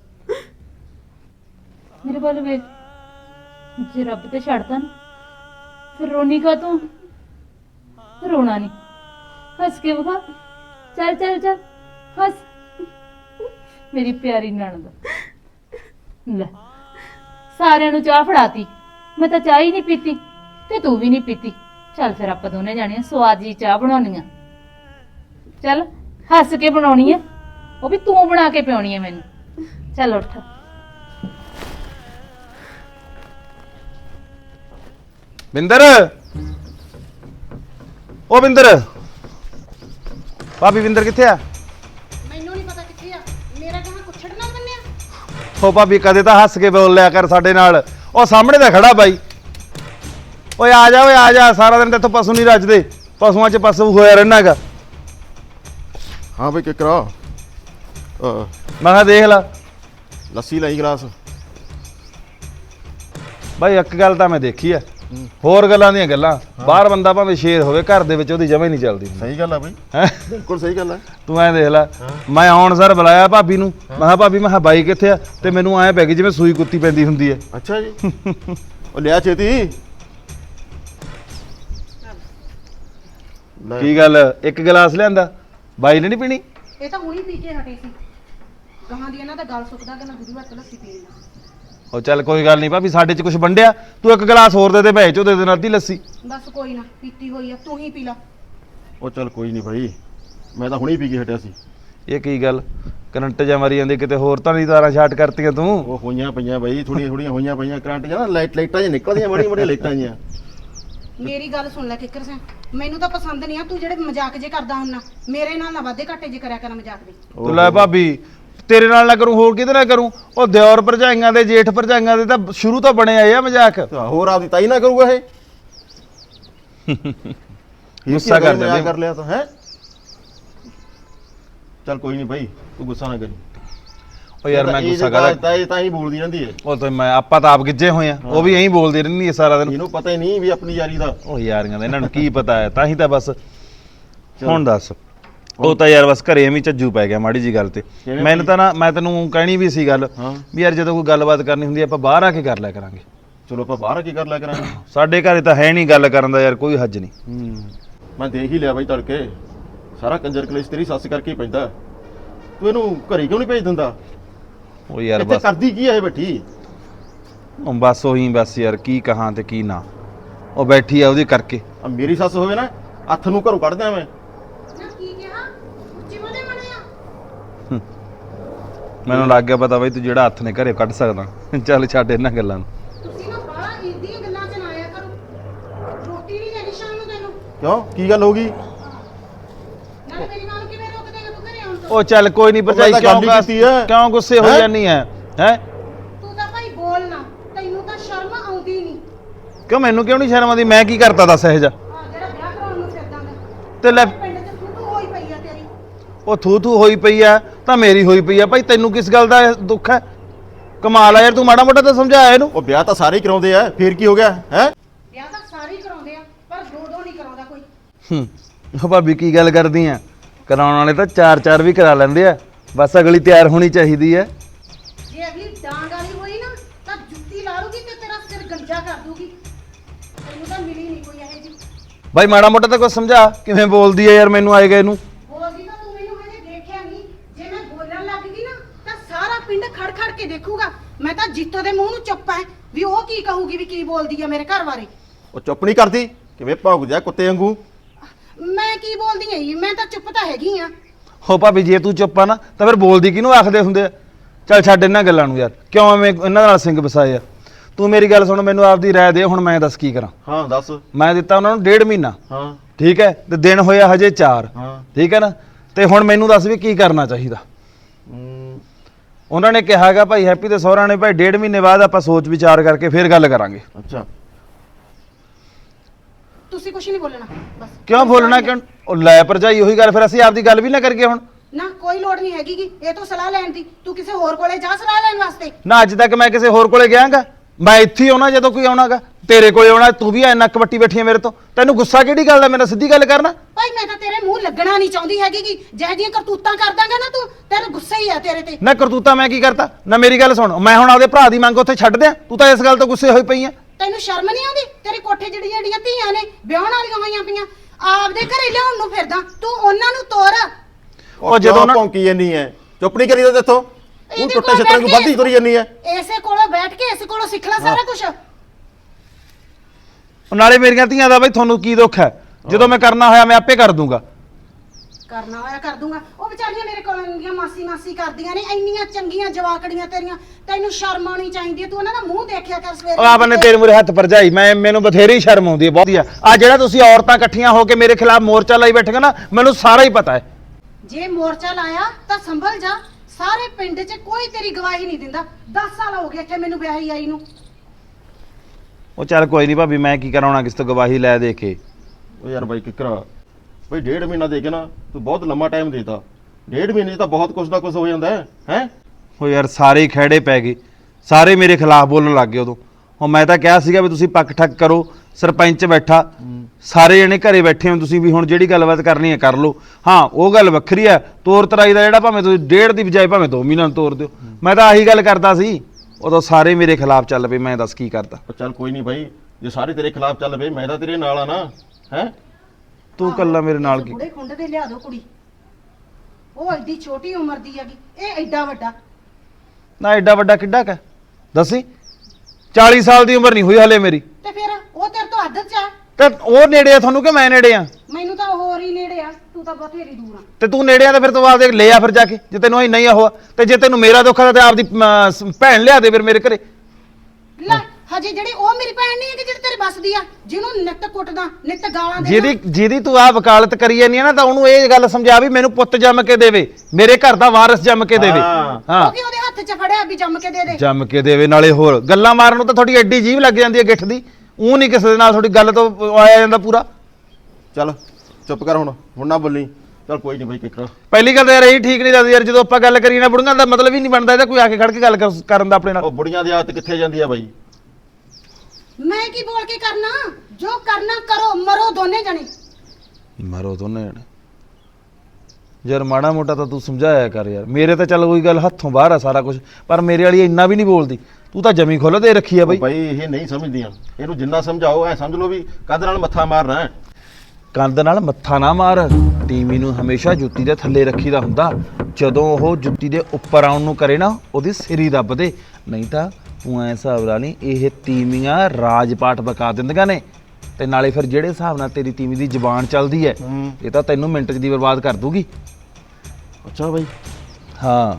Speaker 3: ਮੇਰੇ ਵੱਲ ਵੇਖ, ਜੇ ਰੱਬ ਤੇ ਛੱਡਤਾ ਨਾ, ਫਿਰ ਰੋਣੀ ਕਾ ਤੂੰ? ਰੋਣਾ ਨਹੀਂ, ਹੱਸ ਕੇ ਵਿਖਾ। ਚੱਲ ਚੱਲ ਚੱਲ ਹੱਸ, ਮੇਰੀ ਪਿਆਰੀ ਨਣਦ। ਲੈ, ਸਾਰਿਆਂ ਨੂੰ ਚਾਹ ਫੜਾਤੀ, ਮੈਂ ਤਾਂ ਚਾਹ ਹੀ ਨਹੀਂ ਪੀਤੀ ਤੇ ਤੂੰ ਵੀ ਨਹੀਂ ਪੀਤੀ। ਚੱਲ ਫਿਰ ਆਪਾਂ ਦੋਨੇ ਜਾਣੀਆਂ ਸਵਾਦ ਜੀ ਚਾਹ ਬਣਾਉਣੀਆਂ। ਚੱਲ ਹੱਸ ਕੇ ਬਣਾਉਣੀ ਆ, ਉਹ ਵੀ ਤੂੰ ਬਣਾ ਕੇ ਪਿਆਉਣੀ ਆ ਮੈਨੂੰ। ਚੱਲ ਉੱਠ।
Speaker 5: ਬਿੰਦਰ, ਓ ਬਿੰਦਰ, ਭਾਬੀ ਬਿੰਦਰ ਕਿੱਥੇ ਆ?
Speaker 6: ਮੈਨੂੰ ਨਹੀਂ ਪਤਾ ਕਿੱਥੇ ਆ, ਮੇਰਾ ਕਹਾਂ ਕੁਛੜ ਨਾ ਬੰਨਿਆ।
Speaker 5: ਓ ਭਾਬੀ ਕਦੇ ਤਾਂ ਹੱਸ ਕੇ ਬੋਲ ਲਿਆ ਕਰ ਸਾਡੇ ਨਾਲ। ਉਹ ਸਾਹਮਣੇ ਤਾਂ ਖੜਾ ਬਾਈ। ਓਏ ਆ ਜਾ, ਓਏ ਆ ਜਾ, ਸਾਰਾ ਦਿਨ ਤੇ ਇੱਥੋਂ ਪਸ਼ੂ ਨਹੀਂ ਰੱਜਦੇ, ਪਸ਼ੂਆਂ 'ਚ ਪਸ਼ੂ ਹੋਇਆ ਰਹਿਣਾ ਹੈਗਾ।
Speaker 7: हाँ भाई क्या करा
Speaker 5: ਮੈਂ ਕਿਹਾ ਦੇਖ ਲਾ
Speaker 7: लस्सी लाई गिलास
Speaker 5: ਬਾਈ, ਇੱਕ ਗੱਲ ਤਾਂ ਮੈਂ ਦੇਖੀ ਆ, ਹੋਰ ਗੱਲਾਂ ਦੀਆਂ ਗੱਲਾਂ, ਬਾਹਰ ਬੰਦਾ ਭਾਵੇਂ ਸ਼ੇਰ ਹੋਵੇ, ਘਰ ਦੇ ਵਿੱਚ ਉਹਦੀ ਜਮਾ ਹੀ ਨਹੀਂ ਚੱਲਦੀ।
Speaker 7: सही गल है भाई,
Speaker 5: ਹੈਂ?
Speaker 7: बिल्कुल सही गल है।
Speaker 5: ਤੂੰ ਐਂ ਦੇਖ ਲੈ, ਮੈਂ ਆਉਣ ਸਰ ਬੁਲਾਇਆ ਭਾਬੀ ਨੂੰ, ਮੈਂ ਕਿਹਾ ਭਾਬੀ, ਮੈਂ ਕਿਹਾ ਬਾਈ ਕਿੱਥੇ ਆ? ਤੇ ਮੈਨੂੰ ਐਂ ਪੈ ਗਈ ਜਿਵੇਂ ਸੂਈ ਕੁੱਤੀ ਪੈਂਦੀ ਹੁੰਦੀ ਹੈ।
Speaker 7: अच्छा जी और लिया छेती
Speaker 5: ਕੀ ਗੱਲ, ਇੱਕ ਗਲਾਸ ਲਿਆਂਦਾ, ਬਾਈ ਨੇ ਨਹੀਂ ਪੀਣੀ?
Speaker 6: ਇਹ ਤਾਂ ਹੁਣੀ ਪੀ ਕੇ ਹਟੇ ਸੀ, ਗਾਹਾਂ ਦੀ ਇਹਨਾਂ ਦਾ ਗੱਲ ਸੁੱਕਦਾ ਕਿ ਨਾ ਗੁਰੂ ਹੱਥ ਲੱਸੀ ਪੀਣ ਦਾ।
Speaker 5: ਉਹ ਚੱਲ ਕੋਈ ਗੱਲ ਨਹੀਂ ਭਾਬੀ, ਸਾਡੇ 'ਚ ਕੁਝ ਵੰਡਿਆ, ਤੂੰ ਇੱਕ ਗਲਾਸ ਹੋਰ ਦੇ ਦੇ, ਭੈ ਚੋ ਦੇ ਦੇ ਅੱਧੀ ਲੱਸੀ।
Speaker 6: ਬਸ ਕੋਈ ਨਾ, ਪੀਤੀ ਹੋਈ ਆ, ਤੂੰ ਹੀ ਪੀ ਲਾ।
Speaker 7: ਉਹ ਚੱਲ ਕੋਈ ਨਹੀਂ ਭਾਈ, ਮੈਂ ਤਾਂ ਹੁਣੇ ਪੀ ਕੇ ਹਟਿਆ ਸੀ।
Speaker 5: ਇਹ ਕੀ ਗੱਲ, ਕਰੰਟ ਜਾਂ ਮਾਰੀ ਜਾਂਦੀ, ਕਿਤੇ ਹੋਰ ਤਾਂ ਨਹੀਂ ਤਾਰਾਂ ਸ਼ਾਰਟ ਕਰਤੀਆਂ ਤੂੰ?
Speaker 7: ਉਹ ਹੋਈਆਂ ਪਈਆਂ ਬਾਈ, ਥੋੜੀਆਂ ਥੋੜੀਆਂ ਹੋਈਆਂ ਪਈਆਂ, ਕਰੰਟ ਜਾਂ ਲਾਈਟ ਲਾਈਟਾਂ ਜਿਹੀਆਂ ਨਿਕਲਦੀਆਂ, ਬੜੀਆਂ ਬੜੀਆਂ ਲਾਈਟਾਂ ਜਿਹੀਆਂ।
Speaker 6: ਮੇਰੀ ਗੱਲ ਸੁਣ ਲੈ ਕਿੱਕਰ ਸਿੰਘ, ਮੈਨੂੰ ਤਾਂ ਪਸੰਦ ਨਹੀਂ ਆ ਤੂੰ ਜਿਹੜੇ ਮਜ਼ਾਕ ਜੇ ਕਰਦਾ ਹੁੰਨਾ, ਮੇਰੇ ਨਾਲ ਨਾ ਵਾਧੇ ਘਾਟੇ ਜੇ ਕਰਿਆ ਕਰ ਮਜ਼ਾਕ ਦੇ।
Speaker 5: ਤੂੰ ਲੈ ਭਾਬੀ, ਤੇਰੇ ਨਾਲ ਨਾ ਕਰੂੰ, ਹੋਰ ਕਿਹਦੇ ਨਾਲ ਕਰੂੰ? ਉਹ ਦਿਓਰ ਭਰਜਾਈਆਂ ਦੇ, ਜੇਠ ਭਰਜਾਈਆਂ ਦੇ ਤਾਂ ਸ਼ੁਰੂ ਤੋਂ ਬਣੇ ਆਏ ਆ ਮਜ਼ਾਕ।
Speaker 7: ਹੋਰ ਆਪਦੀ ਤਾਈ ਨਾ ਕਰੂਗਾ ਇਹ।
Speaker 5: ਗੁੱਸਾ ਕਰ ਦਿੰਦੇ
Speaker 7: ਕਰ ਲਿਆ ਤਾਂ ਹੈ। ਚੱਲ ਕੋਈ ਨਹੀਂ ਭਾਈ, ਤੂੰ ਗੁੱਸਾ ਨਾ ਕਰੀ।
Speaker 5: ਉਹ ਯਾਰ ਮੈਂ ਗੁੱਸਾ ਕਰਦਾ,
Speaker 7: ਤਾਈ ਤਾਂ ਹੀ ਬੋਲਦੀ ਰਹਿੰਦੀ ਹੈ।
Speaker 5: ਉਹ ਤਾਂ ਮੈਂ ਆਪਾਂ ਤਾਂ ਆਪ ਗਿੱਜੇ ਹੋਏ ਆ, ਉਹ ਵੀ ਐਂ ਬੋਲਦੀ ਰਹਿੰਦੀ ਹੈ ਸਾਰਾ ਦਿਨ।
Speaker 7: ਇਹਨੂੰ ਪਤਾ ਹੀ ਨਹੀਂ ਵੀ ਆਪਣੀ ਯਾਰੀ ਦਾ।
Speaker 5: ਉਹ ਯਾਰੀਆਂ ਦਾ ਇਹਨਾਂ ਨੂੰ ਕੀ ਪਤਾ ਹੈ, ਤਾਂ ਹੀ ਤਾਂ ਬਸ। ਹੁਣ ਦੱਸ, ਉਹ ਤਾਂ ਯਾਰ ਬਸ ਘਰੇ ਐਵੇਂ ਝੱਜੂ ਪੈ ਗਿਆ ਮਾੜੀ ਜੀ ਗੱਲ ਤੇ। ਮੈਨੂੰ ਤਾਂ ਨਾ, ਮੈਂ ਤੈਨੂੰ ਕਹਿਣੀ ਵੀ ਸੀ ਗੱਲ ਵੀ ਯਾਰ ਜਦੋਂ ਕੋਈ ਗੱਲਬਾਤ ਕਰਨੀ ਹੁੰਦੀ ਆਪਾਂ ਬਾਹਰ ਆ ਕੇ ਕਰ ਲਿਆ ਕਰਾਂਗੇ।
Speaker 7: ਚਲੋ ਆਪਾਂ ਬਾਹਰ ਕੀ ਕਰ ਲਿਆ ਕਰਾਂਗੇ।
Speaker 5: ਸਾਡੇ ਘਰੇ ਤਾਂ ਹੈ ਨਹੀਂ ਗੱਲ ਕਰਨ ਦਾ ਯਾਰ ਕੋਈ ਹੱਜ ਨਹੀਂ।
Speaker 7: ਹੂੰ, ਮੈਂ ਦੇਖ ਹੀ ਲਿਆ ਬਾਈ ਤੜਕੇ, ਸਾਰਾ ਕੰਜਰ ਕਲੇਸ਼ ਤੇਰੀ ਸੱਸ ਕਰਕੇ ਹੀ ਪੈਂਦਾ। ਤੂੰ ਇਹਨੂੰ ਘਰੇ ਕਿਉਂ ਨਹੀਂ ਭੇਜ ਦਿੰਦਾ?
Speaker 5: ਉਹ ਯਾਰ
Speaker 7: ਇੱਥੇ
Speaker 5: ਬਸ
Speaker 7: ਕਰਦੀ ਕੀ ਹੈ ਇਹ ਬੈਠੀ?
Speaker 5: ਉਹ ਬਸ ਉਹੀ ਬਸ ਯਾਰ, ਕੀ ਕਹਾਂ ਤੇ ਕੀ ਨਾ, ਉਹ ਬੈਠੀ ਆ ਉਹਦੀ ਕਰਕੇ।
Speaker 7: ਆ ਮੇਰੀ ਸੱਸ ਹੋਵੇ ਨਾ, ਹੱਥ ਨੂੰ ਘਰੋਂ ਕੱਢ ਦਿਆਂ ਮੈਂ।
Speaker 6: ਨਾ ਕੀ ਕਿਹਾ, ਉੱਚੀ ਬੋਲੇ ਮਣਿਆ।
Speaker 5: ਮੈਨੂੰ ਲੱਗ ਗਿਆ ਪਤਾ ਬਈ ਤੂੰ ਜਿਹੜਾ ਹੱਥ ਨੇ ਘਰੇ ਕੱਢ ਸਕਦਾ। ਚੱਲ ਛੱਡ ਇਹਨਾਂ ਗੱਲਾਂ ਨੂੰ।
Speaker 6: ਤੁਸੀਂ ਨਾ ਬਾਹਲਾ ਈਦ ਦੀਆਂ ਗੱਲਾਂ ਚ ਨਾ ਆਇਆ ਕਰੋ। ਰੋਟੀ ਨਹੀਂ ਦੇਣੀ ਸ਼ਾਮ ਨੂੰ ਤੈਨੂੰ।
Speaker 7: ਕਿਉਂ ਕੀ ਗੱਲ ਹੋ ਗਈ?
Speaker 6: ਨਾਲੇ ਮੇਰੀ ਮਾਂ ਨੂੰ ਕਿਵੇਂ ਰੋਕ ਦੇਗਾ ਤੂੰ ਘਰੇ ਆਉਣ ਤੋਂ?
Speaker 5: ਉਹ ਚੱਲ ਕੋਈ ਨਹੀਂ
Speaker 7: ਉਹ ਮੈਂ
Speaker 5: ਭਰਜਾਈ,
Speaker 7: ਤਾਂ
Speaker 5: ਕਿਉਂ
Speaker 7: ਗੱਲ ਹੀ
Speaker 5: ਗੁੱਸ-
Speaker 7: ਕੀਤੀ ਹੈ।
Speaker 5: ਕਿਉਂ ਗੁੱਸੇ ਹੋ
Speaker 7: ਹੈਂ?
Speaker 5: ਜਾਂਦੀ ਹੈ ਹੈ
Speaker 6: ਤੂੰ ਤਾਂ ਭਾਈ ਬੋਲ ਨਾ, ਤੈਨੂੰ ਤਾਂ ਸ਼ਰਮ ਆਉਂਦੀ ਨਹੀਂ।
Speaker 5: ਕਿਉਂ ਮੈਨੂੰ ਕਿਉਂ ਨਹੀਂ ਸ਼ਰਮ ਆਉਂਦੀ? ਮੈਂ ਕੀ ਕਰਤਾ ਦੱਸ ਇਹ ਜਾ
Speaker 6: ਆ ਜਿਹੜਾ ਵਿਆਹ ਕਰਾਉਣ ਨੂੰ ਫਿਰਦਾ ਗਾ।
Speaker 5: ਤੇ ਲੈ
Speaker 6: ਪਿੰਡ 'ਚ ਤੂੰ ਤੂੰ ਹੋਈ ਪਈ ਆ ਤੇਰੀ।
Speaker 5: ਉਹ ਥੂ ਥੂ ਹੋਈ ਪਈ ਆ ਤਾਂ ਮੇਰੀ ਹੋਈ ਪਈ ਆ ਭਾਈ, ਤੈਨੂੰ ਕਿਸ ਗੱਲ ਦਾ ਦੁੱਖ ਹੈ? ਕਮਾਲ ਆ ਯਾਰ, ਤੂੰ ਮਾੜਾ ਮੋਟਾ ਤਾਂ ਸਮਝਾਇਆ ਇਹਨੂੰ।
Speaker 7: ਉਹ ਵਿਆਹ ਤਾਂ ਸਾਰੇ ਹੀ ਕਰਾਉਂਦੇ ਆ, ਫੇਰ ਕੀ ਹੋ ਗਿਆ ਹੈ?
Speaker 6: ਵਿਆਹ ਤਾਂ ਸਾਰੇ ਹੀ ਕਰਾਉਂਦੇ ਆ, ਪਰ ਦੋ ਦੋ ਨਹੀਂ ਕਰਾਉਂਦਾ ਕੋਈ।
Speaker 5: ਹੂੰ ਉਹ ਭਾਬੀ ਕੀ ਗੱਲ ਕਰਦੀ ਆ? ਕਰਾਉਣ ਵਾਲੇ ਤਾਂ ਚਾਰ ਚਾਰ ਵੀ ਕਰਾ ਲੈਂਦੇ ਆ, ਬਸ ਅਗਲੀ ਤਿਆਰ ਹੋਣੀ ਚਾਹੀਦੀ ਹੈ।
Speaker 6: ਜੇ ਅਗਲੀ ਡਾਂਗ ਵਾਲੀ ਹੋਈ ਨਾ ਤਾਂ ਜੁੱਤੀ ਲਾ ਲੂਗੀ ਤੇ ਤੇਰਾ ਸਿਰ ਗੰਜਾ ਕਰ ਦੂਗੀ। ਤੈਨੂੰ ਤਾਂ ਮਿਲੀ ਨਹੀਂ ਕੋਈ ਇਹੋ ਜਿਹੀ।
Speaker 5: ਭਾਈ ਮਾੜਾ ਮੋਟਾ ਤਾਂ ਕੁਝ ਸਮਝਾ, ਕਿਵੇਂ ਬੋਲਦੀ ਹੈ ਯਾਰ ਮੈਨੂੰ ਆਏ ਗਏ ਨੂੰ।
Speaker 6: ਬੋਲਦੀ ਤਾਂ ਤੂੰ ਮੈਨੂੰ ਹਜੇ ਦੇਖਿਆ ਨਹੀਂ। ਜੇ ਮੈਂ ਬੋਲਣ ਲੱਗ ਗਈ ਨਾ ਤਾਂ ਸਾਰਾ ਪਿੰਡ ਖੜ ਖੜ ਕੇ ਦੇਖੂਗਾ। ਮੈਂ ਤਾਂ ਜੀਤੋ ਦੇ ਮੂੰਹ ਨੂੰ ਚੁੱਪ ਐ ਵੀ ਉਹ ਕੀ ਕਹੂਗੀ ਵੀ ਕੀ ਬੋਲਦੀ ਆ ਮੇਰੇ ਘਰ ਬਾਰੇ।
Speaker 7: ਉਹ ਚੁੱਪ ਨਹੀਂ ਕਰਦੀ, ਕਿਵੇਂ ਭੌਂਕ ਜਾ ਕੁੱਤੇ ਵਾਂਗੂ।
Speaker 6: ਮੈਂ ਕੀ ਬੋਲਦੀ ਆ ਜੀ, ਮੈਂ ਤਾਂ ਚੁੱਪ ਤਾਂ ਹੈਗੀ ਆ।
Speaker 5: ਹੋ ਭਾਬੀ ਜੇ ਤੂੰ ਚੁੱਪ ਆ ਨਾ ਤਾਂ ਫਿਰ ਬੋਲਦੀ ਕਿਹਨੂੰ ਆਖਦੇ ਹੁੰਦੇ ਆ? ਚੱਲ ਛੱਡ ਇਹਨਾਂ ਗੱਲਾਂ ਨੂੰ ਯਾਰ, ਕਿਉਂ ਐਵੇਂ ਇਹਨਾਂ ਨਾਲ ਸਿੰਘ ਵਸਾਏ ਆ? ਤੂੰ ਮੇਰੀ ਗੱਲ ਸੁਣ, ਮੈਨੂੰ ਆਪਦੀ ਰਾਏ ਦੇ, ਹੁਣ ਮੈਂ ਦੱਸ ਕੀ ਕਰਾਂ।
Speaker 7: ਹਾਂ ਦੱਸ।
Speaker 5: ਮੈਂ ਦਿੱਤਾ ਉਹਨਾਂ ਨੂੰ ਡੇਢ ਮਹੀਨਾ,
Speaker 7: ਹਾਂ
Speaker 5: ਠੀਕ ਹੈ, ਤੇ ਦਿਨ ਹੋਇਆ ਹਜੇ ਚਾਰ,
Speaker 7: ਹਾਂ।
Speaker 5: ਠੀਕ ਹੈ ਨਾ? ਤੇ ਹੁਣ ਮੈਨੂੰ ਦੱਸ ਵੀ ਕੀ ਕਰਨਾ ਚਾਹੀਦਾ।
Speaker 7: ਹਮ,
Speaker 5: ਉਹਨਾਂ ਨੇ ਕਿਹਾ ਹੈਗਾ ਭਾਈ ਹੈਪੀ ਤੇ ਸਹੁਰਾ ਨੇ ਭਾਈ ਡੇਢ ਮਹੀਨੇ ਬਾਅਦ ਆਪਾਂ ਸੋਚ ਵਿਚਾਰ ਕਰਕੇ ਫਿਰ ਗੱਲ ਕਰਾਂਗੇ।
Speaker 7: ਅੱਛਾ
Speaker 6: ਤੁਸੀਂ ਕੁਝ ਨਹੀਂ ਬੋਲਣਾ ਬਸ।
Speaker 5: ਕਿਉਂ ਬੋਲਣਾ ਕਿਉਂ? ਉਹ ਲੈ ਭਰਜਾਈ ਉਹੀ ਗੱਲ, ਫਿਰ ਅਸੀਂ ਆਪਦੀ ਗੱਲ ਵੀ ਨਾ ਕਰਕੇ ਹੁਣ।
Speaker 6: ਨਾ ਕੋਈ ਲੋੜ ਨਹੀਂ ਹੈਗੀ ਗੀ ਇਹ ਤੋਂ ਸਲਾਹ ਲੈਣ ਦੀ। ਤੂੰ ਕਿਸੇ ਹੋਰ ਕੋਲੇ ਜਾ ਸਲਾਹ ਲੈਣ ਵਾਸਤੇ।
Speaker 5: ਨਾ ਅੱਜ ਤੱਕ ਮੈਂ ਕਿਸੇ ਹੋਰ ਕੋਲੇ ਗਿਆਗਾ? ਮੈਂ ਇੱਥੇ ਹੀ ਆਉਣਾ ਜਦੋਂ ਕੋਈ ਆਉਣਾਗਾ, ਤੇਰੇ ਕੋਲੇ ਆਉਣਾ। ਤੂੰ ਵੀ ਐ ਨੱਕ ਵੱਟੀ ਬੈਠੀ ਹੈ ਮੇਰੇ ਤੋਂ, ਤੈਨੂੰ ਗੁੱਸਾ ਕਿਹੜੀ ਗੱਲ ਦਾ? ਮੇਰਾ ਸਿੱਧੀ ਗੱਲ ਕਰਨਾ।
Speaker 6: ਭਾਈ ਮੈਂ ਤਾਂ ਤੇਰੇ ਮੂੰਹ ਲੱਗਣਾ ਨਹੀਂ ਚਾਹੁੰਦੀ ਹੈਗੀ ਗੀ। ਜਿਹੋ ਜਿਹੀਆਂ ਕਰਤੂਤਾਂ ਕਰਦਾਂਗਾ ਨਾ ਤੂੰ, ਤੇਰਾ ਗੁੱਸਾ ਹੀ ਆ ਤੇਰੇ ਤੇ।
Speaker 5: ਨਾ ਕਰਤੂਤਾ ਮੈਂ ਕੀ ਕਰਤਾ? ਨਾ ਮੇਰੀ ਗੱਲ ਸੁਣ, ਮੈਂ ਹੁਣ ਆਪਦੇ ਭਰਾ ਦੀ ਮੰਗ ਉੱਥੇ ਛੱਡ ਦਿਆਂ? ਤੂੰ ਤਾਂ ਇਸ ਗੱਲ ਤੋਂ ਗੁੱਸੇ ਹੋਈ ਪਈ ਆ।
Speaker 6: ਤੈਨੂੰ ਸ਼ਰਮ ਨਹੀਂ ਆਉਂਦੀ? ਤੇਰੇ ਕੋਠੇ ਜਿਹੜੀਆਂ ਜਿਹੜੀਆਂ ਧੀਆਂ ਨੇ ਵਿਆਹਣ ਵਾਲੀਆਂ ਹੋਈਆਂ ਪਈਆਂ, ਆਪਦੇ ਘਰੇ ਲਿਆਉਣ ਨੂੰ ਫਿਰਦਾ ਤੂੰ। ਉਹਨਾਂ ਨੂੰ ਤੋਰ।
Speaker 7: ਉਹ ਜਦੋਂ ਭੌਂਕੀ ਜਾਂਦੀ ਐ, ਚੁੱਪ ਨਹੀਂ ਕਰੀਦਾ ਤੇਥੋਂ। ਉਹ
Speaker 6: ਇਹਦੇ
Speaker 7: ਟੁੱਟੇ
Speaker 6: ਕੋਲ
Speaker 7: ਛਿੱਤਰਾਂ ਨੂੰ
Speaker 6: ਬੈਠ
Speaker 7: ਵੱਧਦੀ
Speaker 6: ਕੇ-
Speaker 7: ਤੁਰੀ ਜਾਂਦੀ ਐ।
Speaker 6: ਇਸੇ ਕੋਲੋਂ ਬੈਠ ਕੇ ਇਸੇ ਕੋਲੋਂ ਸਿੱਖ ਲੈ ਸਾਰਾ ਕੁਝ।
Speaker 5: ਉਹ ਨਾਲੇ ਮੇਰੀਆਂ ਧੀਆਂ ਦਾ ਬਈ ਤੁਹਾਨੂੰ ਕੀ ਦੁੱਖ ਹੈ? ਜਦੋਂ ਮੈਂ ਕਰਨਾ ਹੋਇਆ ਮੈਂ ਆਪੇ ਕਰ ਦੂੰਗਾ।
Speaker 6: ਕਰਨਾ ਹੋਇਆ ਕਰ ਦੂੰਗਾ। ਉਹ ਵਿਚਾਰੀਆਂ ਮੇਰੇ ਕੋਲ ਆਉਂਦੀਆਂ ਮਾਸੀ ਮਾਸੀ ਕਰਦੀਆਂ ਨੇ, ਇੰਨੀਆਂ ਚੰਗੀਆਂ ਜਵਾਕੜੀਆਂ ਤੇਰੀਆਂ। ਤੈਨੂੰ ਸ਼ਰਮ ਆਉਣੀ ਚਾਹੀਦੀ ਹੈ। ਤੂੰ ਉਹਨਾਂ ਦਾ ਮੂੰਹ ਦੇਖਿਆ ਕਰ ਸਵੇਰੇ।
Speaker 5: ਉਹ ਆਪਨੇ ਤੇਰੇ ਮੂਰੇ ਹੱਥ ਭਰਜਾਈ, ਮੈਂ ਮੈਨੂੰ ਬਥੇਰੀ ਸ਼ਰਮ ਆਉਂਦੀ ਹੈ, ਬਹੁਤ ਆ। ਆ ਜਿਹੜਾ ਤੁਸੀਂ ਔਰਤਾਂ ਇਕੱਠੀਆਂ ਹੋ ਕੇ ਮੇਰੇ ਖਿਲਾਫ ਮੋਰਚਾ ਲਾਈ ਬੈਠੇ ਨਾ, ਮੈਨੂੰ ਸਾਰਾ ਹੀ ਪਤਾ ਹੈ।
Speaker 6: ਜੇ ਮੋਰਚਾ ਲਾਇਆ ਤਾਂ ਸੰਭਲ ਜਾ। ਸਾਰੇ ਪਿੰਡ 'ਚ ਕੋਈ ਤੇਰੀ ਗਵਾਹੀ ਨਹੀਂ ਦਿੰਦਾ। ਦਸ ਸਾਲ ਹੋ ਗਏ ਇੱਥੇ ਮੈਨੂੰ ਵਿਆਹੀ ਆਈ ਨੂੰ।
Speaker 5: ਉਹ ਚੱਲ ਕੋਈ ਨਹੀਂ ਭਾਬੀ, ਮੈਂ ਕੀ ਕਰਾਉਣਾ ਕਿਸ ਤੋਂ ਗਵਾਹੀ ਲੈ ਦੇ ਕੇ।
Speaker 7: ਉਹ ਯਾਰ ਬਾਈ ਕਿਕਰਾ, ਬਈ ਡੇਢ ਮਹੀਨਾ ਦੇ ਕੇ ਨਾ ਤੂੰ ਬਹੁਤ ਲੰਮਾ ਟਾਈਮ ਦੇਤਾ। ਡੇਢ ਮਹੀਨੇ 'ਚ ਤਾਂ ਬਹੁਤ ਕੁਛ ਨਾ ਕੁਛ ਹੋ ਜਾਂਦਾ ਹੈ ਹੈ।
Speaker 5: ਉਹ ਯਾਰ ਸਾਰੇ ਖਹਿੜੇ ਪੈ ਗਏ, ਸਾਰੇ ਮੇਰੇ ਖਿਲਾਫ ਬੋਲਣ ਲੱਗ ਗਏ ਉਦੋਂ। ਉਹ ਮੈਂ ਤਾਂ ਕਿਹਾ ਸੀਗਾ ਵੀ ਤੁਸੀਂ ਪੱਕ ਠੱਕ ਕਰੋ, ਸਰਪੰਚ ਬੈਠਾ, ਸਾਰੇ ਜਣੇ ਘਰੇ ਬੈਠੇ ਹੋ ਤੁਸੀਂ, ਵੀ ਹੁਣ ਜਿਹੜੀ ਗੱਲਬਾਤ ਕਰਨੀ ਹੈ ਕਰ ਲਓ। ਹਾਂ ਉਹ ਗੱਲ ਵੱਖਰੀ ਹੈ, ਤੋਰ ਤਰਾਈ ਦਾ ਜਿਹੜਾ ਭਾਵੇਂ ਤੁਸੀਂ ਡੇਢ ਦੀ ਬਜਾਏ ਭਾਵੇਂ ਦੋ ਮਹੀਨਿਆਂ ਨੂੰ ਤੋਰ ਦਿਓ। ਮੈਂ ਤਾਂ ਆਹੀ ਗੱਲ ਕਰਦਾ ਸੀ, ਉਦੋਂ ਸਾਰੇ ਮੇਰੇ ਖਿਲਾਫ ਚੱਲ ਪਏ। ਮੈਂ ਦੱਸ ਕੀ ਕਰਦਾ?
Speaker 7: ਉਹ ਚੱਲ ਕੋਈ ਨਹੀਂ ਬਾਈ, ਜੇ ਸਾਰੇ ਤੇਰੇ ਖਿਲਾਫ ਚੱਲ ਪਏ ਮੈਂ ਤਾਂ ਤੇਰੇ ਨਾਲ ਆ ਨਾ ਹੈ।
Speaker 5: ਤੂੰ ਕੱਲਾ ਮੇਰੇ ਨਾਲ ਕੀ?
Speaker 6: ਬੁੜੇ ਖੁੰਡ ਦੇ ਲਿਆ ਦੋ ਕੁੜੀ। ਉਹ ਐਡੀ ਛੋਟੀ ਉਮਰ ਦੀ ਹੈਗੀ, ਇਹ ਐਡਾ ਵੱਡਾ।
Speaker 5: ਨਾ ਐਡਾ ਵੱਡਾ ਕਿੱਡਾ ਕਾ ਦੱਸੀ? ਚਾਲੀ ਸਾਲ ਦੀ ਉਮਰ ਨਹੀਂ ਹੋਈ ਹਲੇ ਮੇਰੀ।
Speaker 6: ਤੇ ਫਿਰ ਉਹ ਤੇਰੇ ਤੋਂ ਅੱਧ ਚ ਆ।
Speaker 5: ਤੇ ਉਹ ਨੇੜੇ ਆ ਤੁਹਾਨੂੰ ਕਿ ਮੈਂ ਨੇੜੇ ਆ?
Speaker 6: ਮੈਨੂੰ ਤਾਂ ਹੋਰ ਹੀ ਨੇੜੇ ਆ, ਤੂੰ ਤਾਂ ਬਥੇਰੀ ਦੂਰ ਆ।
Speaker 5: ਤੇ ਤੂੰ ਨੇੜੇ ਆ ਤਾਂ ਫਿਰ ਤੂੰ ਆਪਦੇ ਲੈ ਆ ਫਿਰ ਜਾ ਕੇ, ਜੇ ਤੈਨੂੰ ਇਹ ਨਹੀਂ ਆਹੋ। ਤੇ ਜੇ ਤੈਨੂੰ ਮੇਰਾ ਦੁੱਖ ਆ ਤਾਂ ਆਪਦੀ ਅਮ, ਭੈਣ ਲਿਆ ਦੇ ਫਿਰ ਮੇਰੇ ਘਰੇ।
Speaker 6: ਲੈ ਹਜੇ ਜਿਹੜੀ ਉਹ ਮੇਰੀ ਭੈਣ ਨਹੀਂ ਹੈ ਕਿ ਜਿਹੜੀ ਤੇਰੇ ਬਸ ਦੀ ਆ, ਜਿਹਨੂੰ ਨਿੱਤ ਕੁੱਟਦਾ ਨਿੱਤ ਗਾਲਾਂ ਦੇ।
Speaker 5: ਜਿਹਦੀ ਜਿਹਦੀ ਤੂੰ ਆ ਵਕਾਲਤ ਕਰੀ ਜਾਂਦੀ ਆ ਨਾ, ਤਾਂ ਉਹਨੂੰ ਇਹ ਗੱਲ ਸਮਝਾ ਵੀ ਮੈਨੂੰ ਪੁੱਤ ਜੰਮ ਕੇ ਦੇਵੇ, ਮੇਰੇ ਘਰ ਦਾ ਵਾਰਿਸ ਜੰਮ ਕੇ ਦੇਵੇ।
Speaker 7: ਹਾਂ।
Speaker 5: ਹਾਂ
Speaker 6: ਕਿਉਂਕਿ ਉਹਦੇ ਹੱਥ 'ਚ ਫੜਿਆ ਵੀ ਜੰਮ ਕੇ ਦੇ ਦੇ।
Speaker 5: ਜੰਮ ਕੇ ਦੇਵੇ, ਨਾਲੇ ਹੋਰ ਗੱਲਾਂ ਮਾਰਨ ਨੂੰ ਤਾਂ ਤੁਹਾਡੀ ਐਡੀ ਜੀਭ ਲੱਗ ਜਾਂਦੀ ਹੈ ਗਿੱਠ ਦੀ। ਉਹ ਨਹੀਂ ਕਿਸੇ ਦੇ ਨਾਲ ਤੁਹਾਡੀ ਗੱਲ ਤੋਂ ਆਇਆ ਜਾਂਦਾ ਪੂਰਾ।
Speaker 7: ਚੱਲ ਚੁੱਪ ਕਰ ਹੁਣ, ਹੁਣ ਨਾ ਬੋਲੀ। ਚੱਲ ਕੋਈ ਨਹੀਂ ਬਾਈ ਕਿਕਰਾ।
Speaker 5: ਪਹਿਲੀ ਗੱਲ ਤਾਂ ਯਾਰ ਇਹ ਠੀਕ ਨਹੀਂ ਲੱਗਦੀ ਯਾਰ, ਜਦੋਂ ਆਪਾਂ ਗੱਲ ਕਰੀਏ ਨਾ ਬੁੜੀਆਂ ਦਾ ਮਤਲਬ ਹੀ ਨਹੀਂ ਬਣਦਾ ਇਹਦਾ, ਕੋਈ ਆ ਕੇ ਖੜ ਕੇ ਗੱਲ ਕਰ- ਕਰਨ ਦਾ ਆਪਣੇ ਨਾਲ।
Speaker 7: ਉਹ ਬੁੜੀਆਂ ਦੀ ਆਦਤ ਕਿੱਥੇ ਜਾਂਦੀ ਆ ਬਾਈ?
Speaker 6: ਮੈਂ ਕੀ ਬੋਲ ਕੇ ਕਰਨਾ? ਜੋ ਕਰਨਾ ਕਰੋ, ਮਰੋ ਦੋਨੇ ਜਣੇ।
Speaker 5: ਮਾਰੋ ਦੋਨੇ ਜਣੇ। ਯਾਰ ਮਾੜਾ ਮੋਟਾ ਤਾਂ ਤੂੰ ਸਮਝਾਇਆ ਕਰ ਯਾਰ। ਮੇਰੇ ਤਾਂ ਚੱਲ ਕੋਈ ਗੱਲ ਹੱਥੋਂ ਬਾਹਰ ਆ ਸਾਰਾ ਕੁਝ, ਪਰ ਮੇਰੇ ਵਾਲੀ ਇੰਨਾ ਵੀ ਨਹੀਂ ਬੋਲਦੀ। ਤੂੰ ਤਾਂ ਜਮੀ ਖੁੱਲ੍ਹ ਦੇ ਰੱਖੀ ਆ ਬਈ।
Speaker 7: ਉਹ ਬਾਈ ਇਹ ਨਹੀਂ ਸਮਝਦੀਆਂ, ਇਹਨੂੰ ਜਿੰਨਾ ਸਮਝਾਓ ਐ ਸਮਝ ਲਓ ਵੀ ਕੰਧ ਨਾਲ ਮੱਥਾ ਮਾਰਨਾ ਹੈ।
Speaker 5: ਕੰਧ ਨਾਲ ਮੱਥਾ ਨਾ ਮਾਰ। ਟੀਮੀ ਨੂੰ ਹਮੇਸ਼ਾ ਜੁੱਤੀ ਦੇ ਥੱਲੇ ਰੱਖੀਦਾ ਹੁੰਦਾ। ਜਦੋਂ ਉਹ ਜੁੱਤੀ ਦੇ ਉੱਪਰ ਆਉਣ ਨੂੰ ਕਰੇ ਨਾ, ਉਹਦੀ ਸਿਰੀ ਦੱਬ ਦੇ। ਨਹੀਂ ਤਾਂ ਤੂੰ ਐ ਹਿਸਾਬ ਲਾ ਲਈ, ਇਹ ਤੀਵੀਆਂ ਰਾਜ ਪਾਠ ਬਕਾ ਦਿੰਦੀਆਂ ਨੇ। ਤੇ ਨਾਲੇ ਫਿਰ ਜਿਹੜੇ ਹਿਸਾਬ ਨਾਲ ਤੇਰੀ ਤੀਵੀਂ ਦੀ ਜ਼ੁਬਾਨ ਚੱਲਦੀ ਹੈ, ਇਹ ਤਾਂ ਤੈਨੂੰ ਮਿੰਟ 'ਚ ਦੀ ਬਰਬਾਦ ਕਰ ਦੂਗੀ।
Speaker 7: ਅੱਛਾ ਬਾਈ।
Speaker 5: ਹਾਂ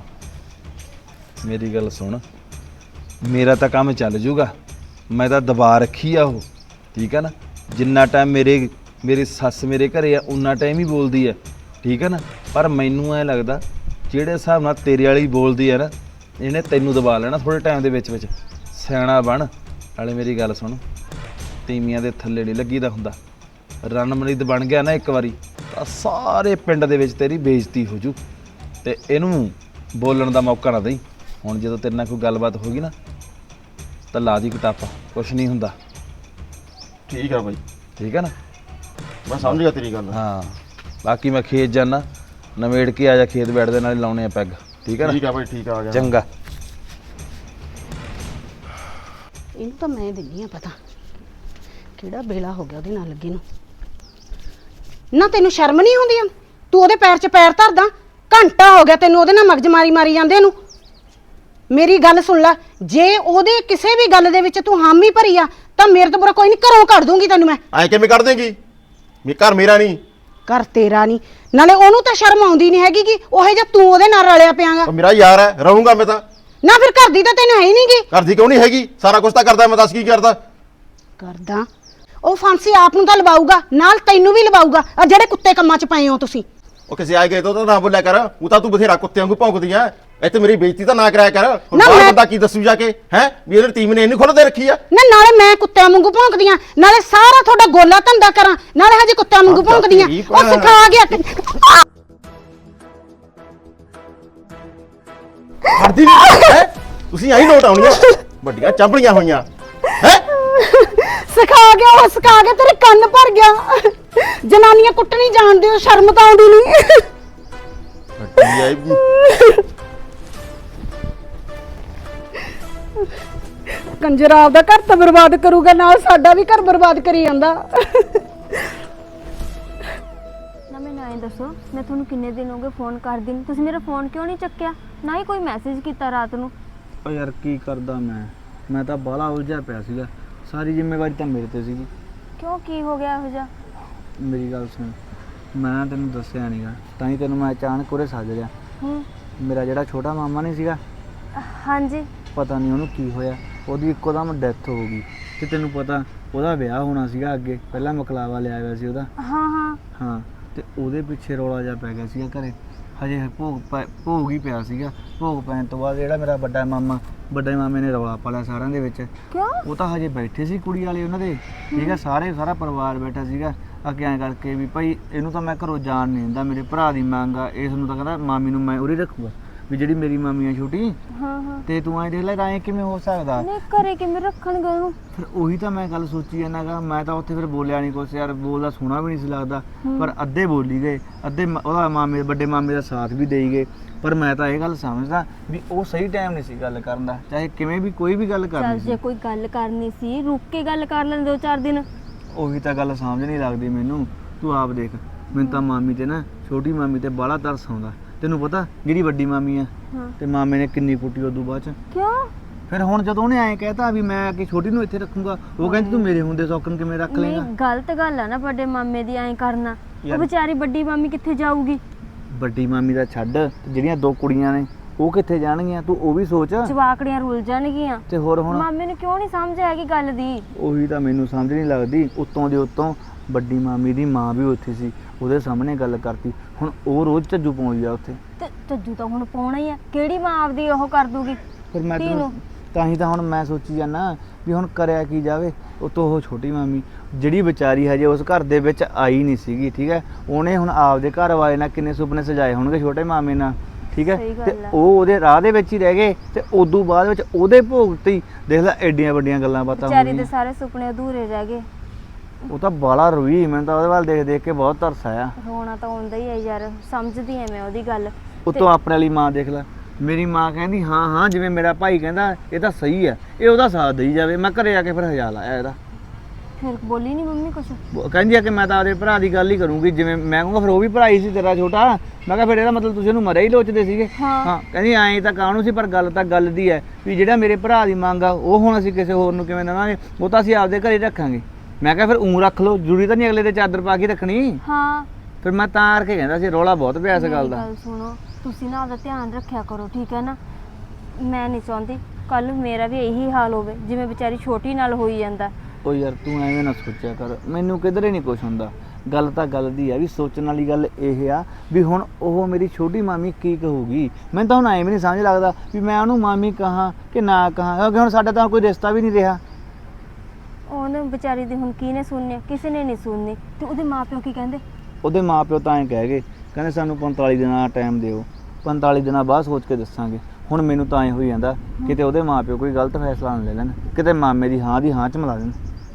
Speaker 5: ਮੇਰੀ ਗੱਲ ਸੁਣ, ਮੇਰਾ ਤਾਂ ਕੰਮ ਚੱਲ ਜੂਗਾ। ਮੈਂ ਤਾਂ ਦਬਾ ਰੱਖੀ ਆ ਉਹ, ਠੀਕ ਹੈ ਨਾ? ਜਿੰਨਾ ਟਾਈਮ ਮੇਰੇ ਮੇਰੀ ਸੱਸ ਮੇਰੇ ਘਰੇ ਆ ਉਨਾ ਟਾਈਮ ਹੀ ਬੋਲਦੀ ਹੈ, ਠੀਕ ਹੈ ਨਾ। ਪਰ ਮੈਨੂੰ ਐ ਲੱਗਦਾ ਜਿਹੜੇ ਹਿਸਾਬ ਨਾਲ ਤੇਰੇ ਵਾਲੀ ਬੋਲਦੀ ਹੈ ਨਾ, ਇਹਨੇ ਤੈਨੂੰ ਦਬਾ ਲੈਣਾ ਥੋੜੇ ਟਾਈਮ ਦੇ ਵਿੱਚ ਵਿੱਚ। ਸਿਆਣਾ ਬਣ। ਨਾਲੇ ਮੇਰੀ ਗੱਲ ਸੁਣ, ਤੀਵੀਆਂ ਦੇ ਥੱਲੇ ਨਹੀਂ ਲੱਗੀਦਾ ਹੁੰਦਾ। ਰਣਮਰੀਤ ਬਣ ਗਿਆ ਨਾ ਇੱਕ ਵਾਰੀ ਤਾਂ ਸਾਰੇ ਪਿੰਡ ਦੇ ਵਿੱਚ ਤੇਰੀ ਬੇਇੱਜ਼ਤੀ ਹੋ ਜੂ। ਤੇ ਇਹਨੂੰ ਬੋਲਣ ਦਾ ਮੌਕਾ ਨਾ ਦੇਈ। ਹੁਣ ਜਦੋਂ ਤੇਰੇ ਨਾਲ ਕੋਈ ਗੱਲਬਾਤ ਹੋ ਗਈ ਨਾ ਤਾਂ ਲਾ ਦੀ ਕਟਾਪਾ, ਕੁਛ ਨਹੀਂ ਹੁੰਦਾ,
Speaker 7: ਠੀਕ ਆ ਬਾਈ,
Speaker 5: ਠੀਕ ਹੈ ਨਾ।
Speaker 7: ਮੈਂ ਸਮਝ ਗਿਆ ਤੇਰੀ ਗੱਲ।
Speaker 5: ਹਾਂ ਬਾਕੀ ਮੈਂ ਖੇਤ ਜਾਣਾ, ਨਵੇੜ ਕੇ ਆ ਜਾ ਖੇਤ ਬੈਠਦੇ ਨਾਲ ਲਾਉਣੇ ਆ ਪੈਗ, ਠੀਕ ਹੈ ਨਾ।
Speaker 7: ਠੀਕ ਆ ਬਾਈ, ਠੀਕ ਆ, ਆ ਗਿਆ।
Speaker 5: ਚੰਗਾ।
Speaker 6: ਇਹਨੂੰ ਤਾਂ ਮੈਂ ਦਿੰਦੀ ਆ ਪਤਾ ਕਿਹੜਾ ਬੇਲਾ ਹੋ ਗਿਆ ਉਹਦੇ ਨਾਲ ਲੱਗੇ ਨੂੰ। ਨਾ ਤੈਨੂੰ ਸ਼ਰਮ ਨਹੀਂ ਆਉਂਦੀ ਆ? ਤੂੰ ਉਹਦੇ ਪੈਰ 'ਚ ਪੈਰ ਧਰਦਾ। ਘੰਟਾ ਹੋ ਗਿਆ ਤੈਨੂੰ ਉਹਦੇ ਨਾਲ ਮਗਜ ਮਾਰੀ ਮਾਰੀ ਜਾਂਦੇ ਨੂੰ। ਮੇਰੀ ਗੱਲ ਸੁਣ ਲੈ, ਜੇ ਉਹਦੇ ਕਿਸੇ ਵੀ ਗੱਲ ਦੇ ਵਿੱਚ ਤੂੰ ਹਾਮੀ ਭਰੀ ਆ ਤਾਂ ਮੇਰੇ ਤੋਂ ਬੁਰਾ ਕੋਈ ਨਹੀਂ, ਘਰੋਂ ਕੱਢ ਦੂੰਗੀ ਤੈਨੂੰ ਮੈਂ।
Speaker 7: ਐ ਕਿਵੇਂ ਕੱਢ ਦੇਂਗੀ? ਮੇ ਘਰ ਮੇਰਾ ਨਹੀਂ।
Speaker 6: ਘਰ ਤੇਰਾ ਨਹੀਂ, ਨਾਲੇ ਉਹਨੂੰ ਤਾਂ ਸ਼ਰਮ ਆਉਂਦੀ ਨਹੀਂ ਹੈਗੀ ਕਿ ਉਹ ਜਿਹਾ ਤੂੰ ਉਹਦੇ ਨਾਲ ਰਲਿਆ ਪਿਆਗਾ।
Speaker 7: ਉਹ ਮੇਰਾ ਯਾਰ ਹੈ, ਰਹੂੰਗਾ ਮੈਂ ਤਾਂ।
Speaker 6: ਨਾ ਫਿਰ ਘਰ ਦੀ ਤਾਂ ਤੈਨੂੰ ਹੈ ਹੀ ਨਹੀਂਗੀ।
Speaker 7: ਘਰ ਦੀ ਕਿਉਂ ਨਹੀਂ ਹੈਗੀ? ਸਾਰਾ ਕੁਝ ਤਾਂ ਕਰਦਾ ਮੈਂ, ਦੱਸ ਕੀ ਕਰਦਾ?
Speaker 6: ਕਰਦਾ ਉਹ ਫਾਂਸੀ ਆਪ ਨੂੰ ਤਾਂ ਲਵਾਊਗਾ, ਨਾਲ ਤੈਨੂੰ ਵੀ ਲਵਾਊਗਾ। ਆ ਜਿਹੜੇ ਕੁੱਤੇ ਕੰਮਾਂ 'ਚ ਪਏ ਹੋ ਤੁਸੀਂ।
Speaker 7: ਉਹ ਕਿਸੇ ਆਏ ਗਏ ਤੋਂ ਤਾਂ ਨਾ ਬੋਲਿਆ ਕਰ। ਉਹ ਤਾਂ ਤੂੰ ਬਥੇਰਾ ਕੁੱਤਿਆਂ ਵਾਂਗੂ ਭੌਂਕਦੀ ਐ। ਇੱਥੇ ਮੇਰੀ ਬੇਇੱਜ਼ਤੀ ਤਾਂ ਨਾ ਕਰਾਇਆ ਕਰ। ਹੁਣ
Speaker 6: ਨਾ
Speaker 7: ਬਾਹਰ
Speaker 6: ਮੈਂ-
Speaker 7: ਬੰਦਾ ਕੀ ਦੱਸੂ ਜਾ ਕੇ ਹੈ ਵੀ ਇਹਨੇ ਟੀਮ ਨੇ ਇਹਨੂੰ ਖੁੱਲ੍ਹ ਦੇ ਰੱਖੀ ਆ।
Speaker 6: ਨਾ ਨਾਲੇ ਮੈਂ ਕੁੱਤਿਆਂ ਵਾਂਗੂ ਭੌਂਕਦੀਆਂ, ਨਾਲੇ ਸਾਰਾ ਤੁਹਾਡਾ ਗੋਲਾ ਧੰਦਾ ਕਰਾਂ, ਨਾਲੇ ਹਜੇ ਕੁੱਤਿਆਂ ਵਾਂਗੂ
Speaker 7: ਅੱਛਾ,
Speaker 6: ਭੌਂਕਦੀਆਂ।
Speaker 7: ਠੀਕ
Speaker 6: ਉਹ
Speaker 7: ਆ।
Speaker 6: ਸਿਖਾ ਗਿਆ।
Speaker 7: ਹੜਦੀ ਨਹੀਂ ਹੈ। ਤੁਸੀਂ ਆਹੀ ਨੋਟ ਆਉਣੀਆਂ ਵੱਡੀਆਂ ਚਾਂਬੜੀਆਂ ਹੋਈਆਂ ਹੈ।
Speaker 6: ਸਿਖਾ ਗਿਆ ਉਹ, ਸਿਖਾ ਗਿਆ, ਤੇਰੇ ਕੰਨ ਭਰ ਗਿਆ। ਜਨਾਨੀਆਂ ਕੁੱਟਣੀ ਜਾਣਦੇ ਹੋ, ਸ਼ਰਮ ਤਾਂ ਆਉਂਦੀ ਨਹੀਂ।
Speaker 7: ਵੱਡੀ ਆਈ
Speaker 6: ਕੰਜਰ ਆਪਦਾ ਘਰ ਤਾਂ ਬਰਬਾਦ ਕਰੂਗਾ, ਨਾਲ ਸਾਡਾ ਵੀ ਘਰ ਬਰਬਾਦ ਕਰੀ ਜਾਂਦਾ।
Speaker 8: ਨਾ ਮੈਨੂੰ ਐਂ ਦੱਸੋ, ਮੈਂ ਤੁਹਾਨੂੰ ਕਿੰਨੇ ਦਿਨ ਹੋ ਗਏ ਫੋਨ ਕਰਦੀ ਨੂੰ, ਤੁਸੀਂ ਮੇਰਾ ਫੋਨ ਕਿਉਂ ਨਹੀਂ ਚੱਕਿਆ? ਨਾ ਹੀ ਕੋਈ ਮੈਸੇਜ ਕੀਤਾ ਰਾਤ ਨੂੰ।
Speaker 2: ਓ ਯਾਰ ਕੀ ਕਰਦਾ ਮੈਂ ਮੈਂ ਤਾਂ ਬਾਹਲਾ ਉਲਝਿਆ ਪਿਆ ਸੀਗਾ। ਸਾਰੀ ਜ਼ਿੰਮੇਵਾਰੀ ਤਾਂ ਮੇਰੇ ਤੇ ਸੀਗੀ।
Speaker 8: ਕਿਉਂ, ਕੀ ਹੋ ਗਿਆ ਇਹੋ ਜਿਹਾ?
Speaker 2: ਮੇਰੀ ਗੱਲ ਸੁਣ, ਮੈਂ ਤੈਨੂੰ ਦੱਸਿਆ ਨਹੀਂਗਾ, ਤਾਂ ਹੀ ਤੈਨੂੰ ਮੈਂ ਅਚਾਨਕ ਉਰੇ ਸੱਦ ਲਿਆ।
Speaker 8: ਹੂੰ।
Speaker 2: ਮੇਰਾ ਜਿਹੜਾ ਛੋਟਾ ਮਾਮਾ ਨਹੀਂ ਸੀਗਾ,
Speaker 8: ਹਾਂਜੀ।
Speaker 2: ਪਤਾ ਨਹੀਂ ਉਹਨੂੰ ਕੀ ਹੋਇਆ, ਉਹਦੀ ਇੱਕੋ ਦਮ ਡੈਥ ਹੋ ਗਈ। ਤੇ ਤੈਨੂੰ ਪਤਾ ਉਹਦਾ ਵਿਆਹ ਹੋਣਾ ਸੀਗਾ ਅੱਗੇ, ਪਹਿਲਾਂ ਮਕਲਾਵਾ ਲਿਆ ਹੋਇਆ ਸੀ ਉਹਦਾ।
Speaker 8: ਹਾਂ ਹਾਂ
Speaker 2: ਹਾਂ ਤੇ ਉਹਦੇ ਪਿੱਛੇ ਰੌਲਾ ਜਿਹਾ ਪੈ ਗਿਆ ਸੀਗਾ ਘਰੇ। ਹਜੇ ਭੋਗ ਪੈ- ਭੋਗ ਹੀ ਪਿਆ ਸੀਗਾ। ਭੋਗ ਪੈਣ ਤੋਂ ਬਾਅਦ ਜਿਹੜਾ ਮੇਰਾ ਵੱਡਾ ਮਾਮਾ ਵੱਡੇ ਮਾਮੇ ਨੇ ਰੌਲਾ ਪਾ ਲਿਆ ਸਾਰਿਆਂ ਦੇ ਵਿੱਚ।
Speaker 8: ਕਿਉਂ?
Speaker 2: ਉਹ ਤਾਂ ਹਜੇ ਬੈਠੇ ਸੀ ਕੁੜੀ ਵਾਲੇ ਉਹਨਾਂ ਦੇ, ਠੀਕ ਹੈ, ਸਾਰੇ ਸਾਰਾ ਪਰਿਵਾਰ ਬੈਠਾ ਸੀਗਾ। ਅੱਗੇ ਐਂ ਕਰਕੇ ਵੀ ਭਾਈ ਇਹਨੂੰ ਤਾਂ ਮੈਂ ਘਰੋਂ ਜਾਣ ਨਹੀਂ ਦਿੰਦਾ, ਮੇਰੇ ਭਰਾ ਦੀ ਮੰਗ ਆ, ਇਸ ਨੂੰ ਤਾਂ ਕਹਿੰਦਾ ਮਾਮੀ ਨੂੰ ਮੈਂ ਉਰੇ ਰੱਖੂਗਾ, ਵੀ ਜਿਹੜੀ ਮੇਰੀ ਮਾਮੀ ਆ ਛੋਟੀ।
Speaker 8: ਹਾਂ ਹਾਂ।
Speaker 2: ਤੇ ਤੂੰ ਐਂ ਦੇਖ ਲੈ ਐਂ ਕਿਵੇਂ ਹੋ ਸਕਦਾ?
Speaker 8: ਨਹੀਂ ਘਰੇ ਕਿਵੇਂ ਰੱਖਣਗੇ ਉਹਨੂੰ?
Speaker 2: ਫਿਰ ਉਹੀ ਤਾਂ ਮੈਂ ਗੱਲ ਸੋਚੀ ਜਾਂਦਾ ਗਾ। ਮੈਂ ਤਾਂ ਉੱਥੇ ਫਿਰ ਬੋਲਿਆ ਨਹੀਂ ਕੁਛ ਯਾਰ, ਬੋਲਦਾ ਸੋਹਣਾ ਵੀ ਨਹੀਂ ਸੀ ਲੱਗਦਾ। ਪਰ ਅੱਧੇ ਬੋਲੀ ਗਏ, ਅੱਧੇ ਮ- ਉਹਦਾ ਮਾਮੇ ਵੱਡੇ ਮਾਮੇ ਦਾ ਸਾਥ ਵੀ ਦੇਈ ਗਏ। ਪਰ ਮੈਂ ਤਾਂ ਇਹ ਗੱਲ ਸਮਝਦਾ ਵੀ ਉਹ ਸਹੀ ਟਾਈਮ ਨਹੀਂ ਸੀ ਗੱਲ ਕਰਨ ਦਾ, ਚਾਹੇ ਕਿਵੇਂ ਵੀ ਕੋਈ ਵੀ ਗੱਲ
Speaker 8: ਚੱਲ
Speaker 2: ਕਰਨੀ
Speaker 8: ਜੇ
Speaker 2: ਸੀ।
Speaker 8: ਕੋਈ ਗੱਲ ਕਰਨੀ ਸੀ ਰੁੱਕ ਕੇ ਗੱਲ ਕਰ ਲੈਂਦੇ ਦੋ ਚਾਰ ਦਿਨ।
Speaker 2: ਉਹੀ ਤਾਂ ਗੱਲ ਸਮਝ ਨਹੀਂ ਲੱਗਦੀ ਮੈਨੂੰ। ਤੂੰ ਆਪ ਦੇਖ, ਮੈਨੂੰ ਤਾਂ ਮਾਮੀ ਤੇ ਨਾ ਛੋਟੀ ਮਾਮੀ ਤੇ ਬਾਹਲਾ ਤਰਸ ਆਉਂਦਾ। ਤੈਨੂੰ ਪਤਾ ਜਿਹੜੀ ਵੱਡੀ ਮਾਮੀ ਆ
Speaker 8: ਹਾਂ।
Speaker 2: ਤੇ ਮਾਮੇ ਨੇ ਕਿੰਨੀ ਕੁੱਟੀ ਉਦੋਂ ਬਾਅਦ ਚ।
Speaker 8: ਕਿਉਂ?
Speaker 2: ਫਿਰ ਹੁਣ ਜਦੋਂ ਉਹਨੇ ਐਂ ਕਹਿਤਾ ਵੀ ਮੈਂ ਕਿ ਛੋਟੀ ਨੂੰ ਇੱਥੇ ਰੱਖੂੰਗਾ, ਉਹ ਕਹਿੰਦੀ ਤੂੰ ਮੇਰੇ ਹੁੰਦੇ ਸੌਕਣ ਕਿਵੇਂ ਰੱਖ
Speaker 8: ਨਹੀਂ
Speaker 2: ਲੇਗਾ।
Speaker 8: ਗਲਤ ਗੱਲ ਆ ਨਾ ਵੱਡੇ ਮਾਮੇ ਦੀ ਐਂ ਕਰਨਾ। ਉਹ
Speaker 2: ਯਾਰ-
Speaker 8: ਵਿਚਾਰੀ ਵੱਡੀ ਮਾਮੀ ਕਿੱਥੇ ਜਾਊਗੀ?
Speaker 2: ਵੱਡੀ ਮਾਮੀ ਦਾ ਛੱਡ, ਤੇ ਜਿਹੜੀਆਂ ਦੋ ਕੁੜੀਆਂ ਨੇ ਉਹ ਕਿੱਥੇ ਜਾਣਗੀਆਂ, ਤੂੰ ਉਹ ਵੀ ਸੋਚ।
Speaker 8: ਜਵਾਕੜੀਆਂ ਰੁੱਲ ਜਾਣਗੀਆਂ।
Speaker 2: ਤੇ ਹੋਰ ਹੁਣ
Speaker 8: ਮਾਮੇ ਨੂੰ ਕਿਉਂ ਨਹੀਂ ਸਮਝ ਆਏਗੀ ਗੱਲ ਦੀ?
Speaker 2: ਉਹੀ ਤਾਂ ਮੈਨੂੰ ਸਮਝ ਨਹੀਂ ਲੱਗਦੀ। ਉੱਤੋਂ ਦੇ ਉੱਤੋਂ ਵੱਡੀ ਮਾਮੀ ਦੀ ਮਾਂ ਵੀ ਉੱਥੇ ਸੀ, ਉਹਦੇ ਸਾਹਮਣੇ ਗੱਲ ਕਰਤੀ। ਹੁਣ ਉਹ ਰੋਜ਼ ਝੱਜੂ ਪਾਉਂਦੀ ਆ ਉੱਥੇ।
Speaker 8: ਤੇ ਝੱਜੂ ਤਾਂ ਹੁਣ ਪਾਉਣਾ ਹੀ ਆ, ਕਿਹੜੀ ਮਾਂ ਆਪਦੀ ਉਹ ਕਰ ਦੂਗੀ?
Speaker 2: ਫਿਰ ਮੈਂ
Speaker 8: ਧੀ
Speaker 2: ਤੈਨੂੰ
Speaker 8: ਨੂੰ।
Speaker 2: ਤਾਂ ਹੀ ਤਾਂ ਹੁਣ ਮੈਂ ਸੋਚੀ ਜਾਂਦਾ ਵੀ ਹੁਣ ਕਰਿਆ ਕੀ ਜਾਵੇ। ਉਤੋਂ ਉਹ ਛੋਟੀ ਮਾਮੀ ਜਿਹੜੀ ਵਿਚਾਰੀ ਹਜੇ ਉਸ ਘਰ ਦੇ ਵਿੱਚ ਆਈ ਨਹੀਂ ਸੀਗੀ, ਠੀਕ ਹੈ, ਉਹਨੇ ਹੁਣ ਆਪਦੇ ਘਰ ਵਾਲੇ ਨਾਲ ਕਿੰਨੇ ਸੁਪਨੇ ਸਜਾਏ ਹੋਣਗੇ ਛੋਟੇ ਮਾਮੇ ਨਾਲ, ਠੀਕ ਹੈ।
Speaker 8: ਸਹੀ ਗੱਲ
Speaker 2: ਤੇ
Speaker 8: ਆ।
Speaker 2: ਉਹ ਉਹਦੇ ਰਾਹ ਦੇ ਵਿੱਚ ਹੀ ਰਹਿ ਗਏ ਤੇ ਉਦੋਂ ਬਾਅਦ ਵਿੱਚ ਉਹਦੇ ਭੋਗ ਤੇ ਹੀ ਦੇਖ ਲੈ ਐਡੀਆਂ ਵੱਡੀਆਂ ਗੱਲਾਂ ਬਾਤਾਂ ਹੋ
Speaker 8: ਵਿਚਾਰੀ ਦੇ
Speaker 2: ਗਈਆਂ।
Speaker 8: ਸਾਰੇ ਸੁਪਨੇ ਅਧੂਰੇ ਰਹਿ ਗਏ।
Speaker 2: ਉਹ ਤਾਂ ਬਾਲਾ ਰੋਈ, ਮੈਨੂੰ ਤਾਂ ਉਹਦੇ ਵੱਲ ਦੇਖ ਦੇਖ ਕੇ ਬਹੁਤ ਤਰਸ ਆਇਆ।
Speaker 8: ਰੋਣਾ ਤਾਂ ਆਉਂਦਾ ਹੀ ਹੈ ਯਾਰ, ਸਮਝਦੀ ਐ ਮੈਂ ਉਹਦੀ ਗੱਲ।
Speaker 2: ਉਤੋਂ ਆਪਣੇ ਵਾਲੀ ਮਾਂ ਦੇਖ ਲੈ, ਮੇਰੀ ਮਾਂ ਕਹਿੰਦੀ ਹਾਂ ਹਾਂ ਜਿਵੇਂ ਮੇਰਾ ਭਾਈ ਕਹਿੰਦਾ ਇਹ ਤਾਂ ਸਹੀ ਹੈ, ਇਹ ਉਹਦਾ ਸਾਥ ਦੇਈ ਜਾਵੇ। ਮੈਂ ਘਰੇ ਆ ਕੇ ਫਿਰ ਹਜਾ ਲਾਇਆ ਇਹਦਾ।
Speaker 8: ਫਿਰ ਬੋਲੀ ਨਹੀਂ ਮੰਮੀ ਕੁਛ?
Speaker 2: ਉਹ ਕਹਿੰਦੀ ਆ ਕਿ ਮੈਂ ਤਾਂ ਆਪਦੇ ਭਰਾ ਦੀ ਗੱਲ ਹੀ ਕਰੂੰਗੀ, ਜਿਵੇਂ ਮੈਂ ਕਹੂੰਗਾ ਫਿਰ ਉਹ ਵੀ ਭਰਾ ਹੀ ਸੀ ਤੇਰਾ ਛੋਟਾ। ਮੈਂ ਕਿਹਾ ਫਿਰ ਇਹਦਾ ਮਤਲਬ ਤੁਸੀਂ ਉਹਨੂੰ ਮਰਿਆ ਹੀ ਲੋਚਦੇ ਸੀਗੇ।
Speaker 8: ਹਾਂ।
Speaker 2: ਕਹਿੰਦੀ ਐਂ ਤਾਂ ਕਾਹਨੂੰ ਸੀ, ਪਰ ਗੱਲ ਤਾਂ ਗੱਲ ਦੀ ਹੈ ਵੀ ਜਿਹੜਾ ਮੇਰੇ ਭਰਾ ਦੀ ਮੰਗ ਆ ਉਹ ਹੁਣ ਅਸੀਂ ਕਿਸੇ ਹੋਰ ਨੂੰ ਕਿਵੇਂ ਦੇਵਾਂਗੇ, ਉਹ ਤਾਂ ਅਸੀਂ ਆਪਦੇ ਘਰੇ ਰੱਖਾਂਗੇ। ਮੈਂ ਕਿਹਾ ਫਿਰ ਊਂ ਰੱਖ ਲਓ, ਜ਼ਰੂਰੀ ਤਾਂ ਨਹੀਂ ਅਗਲੇ ਦੇ ਚਾਦਰ ਪਾ ਕੇ ਰੱਖਣੀ।
Speaker 8: ਹਾਂ।
Speaker 2: ਫਿਰ ਮੈਂ ਤਾਂ ਕਰਕੇ ਕਹਿੰਦਾ ਸੀ, ਰੌਲਾ ਬਹੁਤ ਪਿਆ ਇਸ ਗੱਲ
Speaker 8: ਮੇਰੀ
Speaker 2: ਦਾ।
Speaker 8: ਗੱਲ ਸੁਣੋ, ਤੁਸੀਂ ਨਾ ਆਪਦਾ ਧਿਆਨ ਰੱਖਿਆ ਕਰੋ, ਠੀਕ ਹੈ ਨਾ? ਮੈਂ ਨਹੀਂ ਚਾਹੁੰਦੀ ਕੱਲ ਮੇਰਾ ਵੀ ਇਹੀ ਹਾਲ ਹੋਵੇ ਜਿਵੇਂ ਵਿਚਾਰੀ ਛੋਟੀ ਨਾਲ ਹੋਈ ਜਾਂਦਾ।
Speaker 9: ਉਹ ਯਾਰ ਤੂੰ ਐਵੇਂ ਨਾ ਸੋਚਿਆ ਕਰ, ਮੈਨੂੰ ਕਿਧਰੇ ਨਹੀਂ ਕੁਛ ਹੁੰਦਾ। ਗੱਲ ਤਾਂ ਗੱਲ ਦੀ ਆ ਵੀ ਸੋਚਣ ਵਾਲੀ ਗੱਲ ਇਹ ਆ ਵੀ ਹੁਣ ਉਹ ਮੇਰੀ ਛੋਟੀ ਮਾਮੀ ਕੀ ਕਹੂਗੀ। ਮੈਨੂੰ ਤਾਂ ਹੁਣ ਐਵੇਂ ਨਹੀਂ ਸਮਝ ਲੱਗਦਾ ਵੀ ਮੈਂ ਉਹਨੂੰ ਮਾਮੀ ਕਹਾਂ ਕਿ ਨਾ ਕਹਾਂ, ਕਿਉਂਕਿ ਹੁਣ ਸਾਡਾ ਤਾਂ ਕੋਈ ਰਿਸ਼ਤਾ ਵੀ ਨਹੀਂ ਰਿਹਾ।
Speaker 8: ਉਹਨੇ ਵਿਚਾਰੀ ਦੀ ਹੁਣ ਕਿਹਨੇ ਸੁਣਨੀ, ਕਿਸੇ ਨੇ ਨਹੀਂ ਸੁਣਨੀ। ਤੇ ਉਹਦੇ ਮਾਪਿਓ ਕੀ ਕਹਿੰਦੇ?
Speaker 9: ਉਹਦੇ ਮਾਪਿਓ ਤਾਂ ਐਂ ਕਹਿ ਗਏ, ਕਹਿੰਦੇ ਸਾਨੂੰ ਪੰਤਾਲੀ ਦਿਨਾਂ ਦਾ ਟਾਈਮ ਦਿਓ, ਪੰਤਾਲੀ ਦਿਨਾਂ ਬਾਅਦ ਸੋਚ ਕੇ ਦੱਸਾਂਗੇ। ਹੁਣ ਮੈਨੂੰ ਤਾਂ ਐਂ ਹੋਈ ਜਾਂਦਾ ਕਿਤੇ ਉਹਦੇ ਮਾਪਿਓ ਕੋਈ ਗਲਤ ਫੈਸਲਾ ਨਾ ਲੈ ਲੈਣ, ਕਿਤੇ ਮਾਮੇ ਦੀ ਹਾਂ ਦੀ ਹਾਂ ਚ ਮਿਲਾ ਦੇਣ।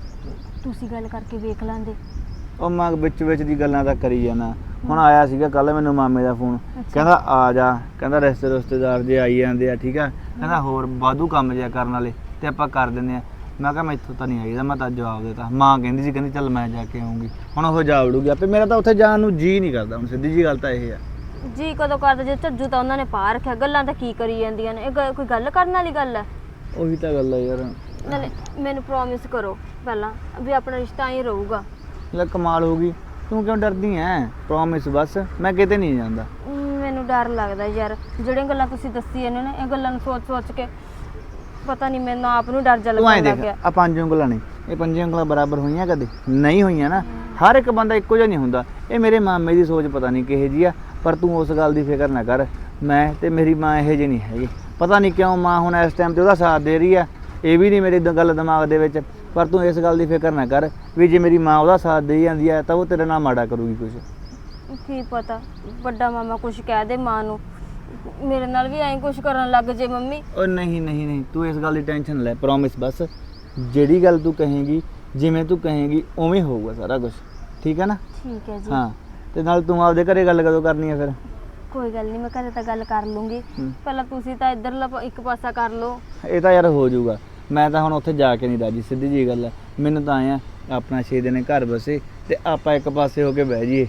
Speaker 8: ਤੁਸੀਂ ਗੱਲ ਕਰਕੇ ਵੇਖ ਲਾਂਦੇ।
Speaker 9: ਉਹ ਮੈਂ ਵਿੱਚ ਵਿੱਚ ਦੀ ਗੱਲਾਂ ਤਾਂ ਕਰੀ ਜਾਣਾ। ਹੁਣ ਆਇਆ ਸੀਗਾ ਕੱਲ ਮੈਨੂੰ ਮਾਮੇ ਦਾ ਫੋਨ, ਕਹਿੰਦਾ ਆ ਜਾ, ਕਹਿੰਦਾ ਰਿਸ਼ਤੇ ਰਿਸ਼ਤੇਦਾਰ ਜੇ ਆਈ ਜਾਂਦੇ ਆ, ਠੀਕ ਆ, ਕਹਿੰਦਾ ਹੋਰ ਵਾਧੂ ਕੰਮ ਜਿਆ ਕਰਨ ਵਾਲੇ ਤੇ ਆਪਾਂ ਕਰ ਦਿੰਦੇ ਆ। ਮੈਂ ਕਿਹਾ ਮੈਥੋਂ ਤਾਂ ਨਹੀਂ ਆਈਦਾ, ਮੈਂ ਤਾਂ ਜਵਾਬ ਦੇਤਾ। ਮਾਂ ਕਹਿੰਦੀ ਸੀ, ਕਹਿੰਦੀ ਚੱਲ ਮੈਂ ਜਾ ਕੇ ਆਉਂਗੀ। ਹੁਣ ਉਹ ਜਾ ਵੜੂਗੀ ਆਪੇ, ਮੇਰਾ ਤਾਂ ਉੱਥੇ ਜਾਣ ਨੂੰ ਜੀ ਨਹੀਂ ਕਰਦਾ। ਹੁਣ ਸਿੱਧੀ ਜੀ ਗੱਲ ਤਾਂ ਇਹ ਆ।
Speaker 8: ਜੀ ਕਦੋਂ ਕਰਦਾ ਜੇ ਝੱਜੂ ਤਾਂ ਉਹਨਾਂ ਨੇ ਪਾ ਰੱਖਿਆ। ਗੱਲਾਂ ਤਾਂ ਕੀ ਕਰੀ ਜਾਂਦੀਆਂ ਨੇ, ਇਹ ਗ- ਕੋਈ ਗੱਲ ਕਰਨ ਵਾਲੀ ਗੱਲ ਹੈ?
Speaker 9: ਉਹੀ ਤਾਂ ਗੱਲ ਆ ਯਾਰ।
Speaker 8: ਨਾਲੇ ਮੈਨੂੰ ਪ੍ਰੋਮਿਸ ਕਰੋ ਪਹਿਲਾਂ ਵੀ ਆਪਣਾ ਰਿਸ਼ਤਾ ਹੀ ਰਹੂਗਾ।
Speaker 9: ਲੈ ਕਮਾਲ ਹੋ ਗਈ, ਤੂੰ ਕਿਉਂ ਡਰਦੀ ਐ? ਪ੍ਰੋਮਿਸ ਬਸ, ਮੈਂ ਕਿਤੇ ਨਹੀਂ ਜਾਂਦਾ।
Speaker 8: ਅਮ, ਮੈਨੂੰ ਡਰ ਲੱਗਦਾ ਯਾਰ, ਜਿਹੜੀਆਂ ਗੱਲਾਂ ਤੁਸੀਂ ਦੱਸੀਆਂ ਨੇ ਨਾ, ਇਹ ਗੱਲਾਂ ਨੂੰ ਸੋਚ ਸੋਚ ਕੇ ਪਤਾ ਨਹੀਂ ਮੈਨੂੰ ਆਪ ਨੂੰ ਡਰ ਜਾ
Speaker 9: ਤੂੰ ਐਂ
Speaker 8: ਲੱਗਣ ਲੱਗ
Speaker 9: ਦੇਖ,
Speaker 8: ਗਿਆ।
Speaker 9: ਆ ਪੰਜ ਉਂਗਲਾਂ ਨੇ, ਇਹ ਪੰਜ ਉਂਗਲਾਂ ਬਰਾਬਰ ਹੋਈਆਂ ਕਦੇ ਨਹੀਂ ਹੋਈਆਂ ਨਾ। ਹਰ ਇੱਕ ਬੰਦਾ ਇੱਕੋ ਜਿਹਾ ਨਹੀਂ ਹੁੰਦਾ। ਇਹ ਮੇਰੇ ਮਾਮੇ ਦੀ ਸੋਚ ਪਤਾ ਨਹੀਂ ਕਿਹੋ ਜਿਹੀ ਆ, ਪਰ ਤੂੰ ਉਸ ਗੱਲ ਦੀ ਫਿਕਰ ਨਾ ਕਰ। ਮੈਂ ਤੇ ਮੇਰੀ ਮਾਂ ਇਹੋ ਜਿਹੇ ਨਹੀਂ ਹੈਗੇ। ਪਤਾ ਨਹੀਂ ਕਿਉਂ ਮਾਂ ਹੁਣ ਇਸ ਟਾਈਮ ਤੇ ਉਹਦਾ ਸਾਥ ਦੇ ਰਹੀ ਆ, ਇਹ ਵੀ ਨਹੀਂ ਮੇਰੀ ਦ- ਗੱਲ ਦਿਮਾਗ ਦੇ ਵਿੱਚ। ਪਰ ਤੂੰ ਇਸ ਗੱਲ ਦੀ ਫਿਕਰ ਨਾ ਕਰ ਵੀ ਜੇ ਮੇਰੀ ਮਾਂ ਉਹਦਾ ਸਾਥ ਦੇ ਜਾਂਦੀ ਆ ਤਾਂ ਉਹ ਤੇਰੇ ਨਾਲ ਮਾੜਾ ਕਰੂਗੀ ਕੁਛ।
Speaker 8: ਕੀ ਪਤਾ ਵੱਡਾ ਮਾਮਾ ਕੁਝ ਕਹਿ ਦੇ ਮਾਂ ਨੂੰ, ਮੇਰੇ ਨਾਲ ਵੀ ਐਂ ਕੁਝ ਕਰਨ ਲੱਗ ਜੇ ਮੰਮੀ।
Speaker 9: ਉਹ ਨਹੀਂ ਨਹੀਂ ਨਹੀਂ, ਤੂੰ ਇਸ ਗੱਲ ਦੀ ਟੈਨਸ਼ਨ ਲੈ। ਪ੍ਰੋਮਿਸ ਬਸ, ਜਿਹੜੀ ਗੱਲ ਤੂੰ ਕਹੇਂਗੀ, ਜਿਵੇਂ ਤੂੰ ਕਹੇਂਗੀ ਉਵੇਂ ਹੋਊਗਾ ਸਾਰਾ ਕੁਝ, ਠੀਕ ਹੈ ਨਾ?
Speaker 8: ਠੀਕ ਹੈ ਜੀ।
Speaker 9: ਹਾਂ, ਤੇ ਨਾਲ ਤੂੰ ਆਪਦੇ ਘਰੇ ਗੱਲ ਕਦੋਂ ਕਰਨੀ ਹੈ ਫਿਰ?
Speaker 8: ਕੋਈ ਗੱਲ ਨਹੀਂ, ਮੈਂ ਘਰੇ ਤਾਂ ਗੱਲ ਕਰ ਲੂੰਗੀ।
Speaker 9: ਹੂੰ।
Speaker 8: ਪਹਿਲਾਂ ਤੁਸੀਂ ਤਾਂ ਇੱਧਰਲਾ ਪ- ਇੱਕ ਪਾਸਾ ਕਰ ਲਓ।
Speaker 9: ਇਹ ਤਾਂ ਯਾਰ ਹੋ ਜਾਊਗਾ। ਮੈਂ ਤਾਂ ਹੁਣ ਉੱਥੇ ਜਾ ਕੇ ਨਹੀਂ ਰਾਜੀ, ਸਿੱਧੀ ਜੀ ਗੱਲ ਹੈ। ਮੈਨੂੰ ਤਾਂ ਆਇਆ ਆਪਣਾ ਛੇ ਦਿਨ ਘਰ ਬਸੇ ਤੇ ਆਪਾਂ ਇੱਕ ਪਾਸੇ ਹੋ ਕੇ ਬਹਿ ਜਾਈਏ।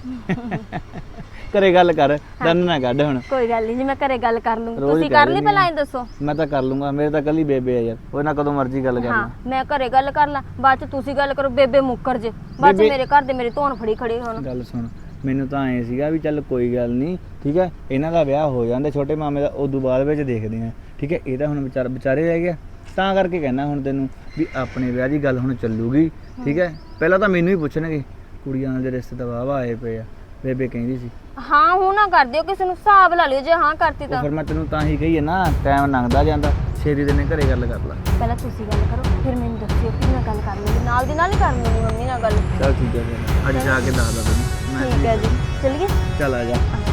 Speaker 9: ਘਰੇ ਗੱਲ ਕਰ, ਦੰਨ ਨਾ ਕੱਢ ਹੁਣ।
Speaker 8: ਕੋਈ ਗੱਲ ਨਹੀਂ ਜੀ, ਮੈਂ ਘਰੇ ਗੱਲ ਕਰ ਲੂੰਗੀ।
Speaker 9: ਰੋਜ਼
Speaker 8: ਤੁਸੀਂ
Speaker 9: ਕਹਿ
Speaker 8: ਕਰ ਲਈ
Speaker 9: ਦਿੰਦੀ
Speaker 8: ਪਹਿਲਾਂ
Speaker 9: ਆ।
Speaker 8: ਇਹ ਦੱਸੋ।
Speaker 9: ਮੈਂ ਤਾਂ ਕਰ ਲੂੰਗਾ, ਮੇਰੇ ਤਾਂ ਕੱਲੀ ਬੇਬੇ ਆ ਯਾਰ, ਉਹ ਨਾਲ ਕਦੋਂ ਮਰਜ਼ੀ ਗੱਲ ਕਰ
Speaker 8: ਹਾਂ,
Speaker 9: ਲਾਂ।
Speaker 8: ਮੈਂ ਘਰੇ ਗੱਲ ਕਰ ਲਾਂ, ਬਾਅਦ ਚ ਤੁਸੀਂ ਗੱਲ ਕਰੋ, ਬੇਬੇ ਮੁੱਕਰ ਜੇ, ਬਾਅਦ ਚ
Speaker 9: ਬੇਬੇ-
Speaker 8: ਮੇਰੇ ਘਰ ਦੇ ਮੇਰੇ ਧੌਣ ਫੜੀ ਖੜੇ ਹੋਣ।
Speaker 9: ਗੱਲ ਸੁਣ, ਮੈਨੂੰ ਤਾਂ ਐਂ ਸੀਗਾ ਵੀ ਚੱਲ ਕੋਈ ਗੱਲ ਨਹੀਂ, ਠੀਕ ਹੈ, ਇਹਨਾਂ ਦਾ ਵਿਆਹ ਹੋ ਜਾਂਦਾ ਛੋਟੇ ਮਾਮੇ ਦਾ, ਉਦੋਂ ਬਾਅਦ ਵਿੱਚ ਦੇਖਦੇ ਆ, ਠੀਕ ਹੈ। ਇਹ ਤਾਂ ਹੁਣ ਵਿਚਾਰ ਵਿਚਾਰੇ ਰਹਿ ਗਿਆ, ਤਾਂ ਕਰਕੇ ਕਹਿਣਾ ਹੁਣ ਤੈਨੂੰ ਵੀ ਆਪਣੇ ਵਿਆਹ ਦੀ ਗੱਲ ਹੁਣ ਚੱਲੂਗੀ, ਠੀਕ ਹੈ। ਪਹਿਲਾਂ ਤਾਂ ਮੈਨੂੰ ਹੀ ਪੁੱਛਣਗੇ, ਕੁੜੀਆਂ ਦੇ ਰਿਸ਼ਤੇ ਤਾਂ ਵਾਹਵਾ ਆਏ ਪਏ ਆ, ਬੇਬੇ ਕਹਿੰਦੀ ਸੀ।
Speaker 8: ਹਾਂ ਹੁਣ ਨਾ ਕਰ ਦਿਓ, ਕਿਸੇ ਨੂੰ ਹਿਸਾਬ ਲਾ ਲਿਓ ਜੇ ਹਾਂ ਕਰਤੀ
Speaker 9: ਉਹ
Speaker 8: ਤਾਂ।
Speaker 9: ਫਿਰ ਮੈਂ ਤੈਨੂੰ ਤਾਂ ਹੀ ਕਹੀ ਹੈ ਨਾ, ਟਾਈਮ ਲੰਘਦਾ ਜਾਂਦਾ, ਛੇਤੀ ਦਿਨੇ ਘਰੇ ਗੱਲ ਕਰ ਲਾ।
Speaker 8: ਪਹਿਲਾਂ ਤੁਸੀਂ ਗੱਲ ਕਰੋ, ਫਿਰ ਮੈਨੂੰ ਦੱਸਿਓ, ਫਿਰ ਮੈਂ ਗੱਲ ਕਰ ਲੂੰਗੀ, ਨਾਲ ਦੀ ਨਾਲ ਹੀ ਕਰ ਲੂੰਗੀ ਮੰਮੀ ਨਾਲ ਗੱਲ।
Speaker 9: ਚੱਲ ਠੀਕ ਹੈ ਫਿਰ, ਅੱਜ ਜਾ ਕੇ ਦੱਸਦਾ ਤੈਨੂੰ ਮੈਂ।
Speaker 8: ਠੀਕ ਹੈ ਜੀ, ਚਲੀਏ।
Speaker 9: ਚੱਲ ਆ ਜਾ।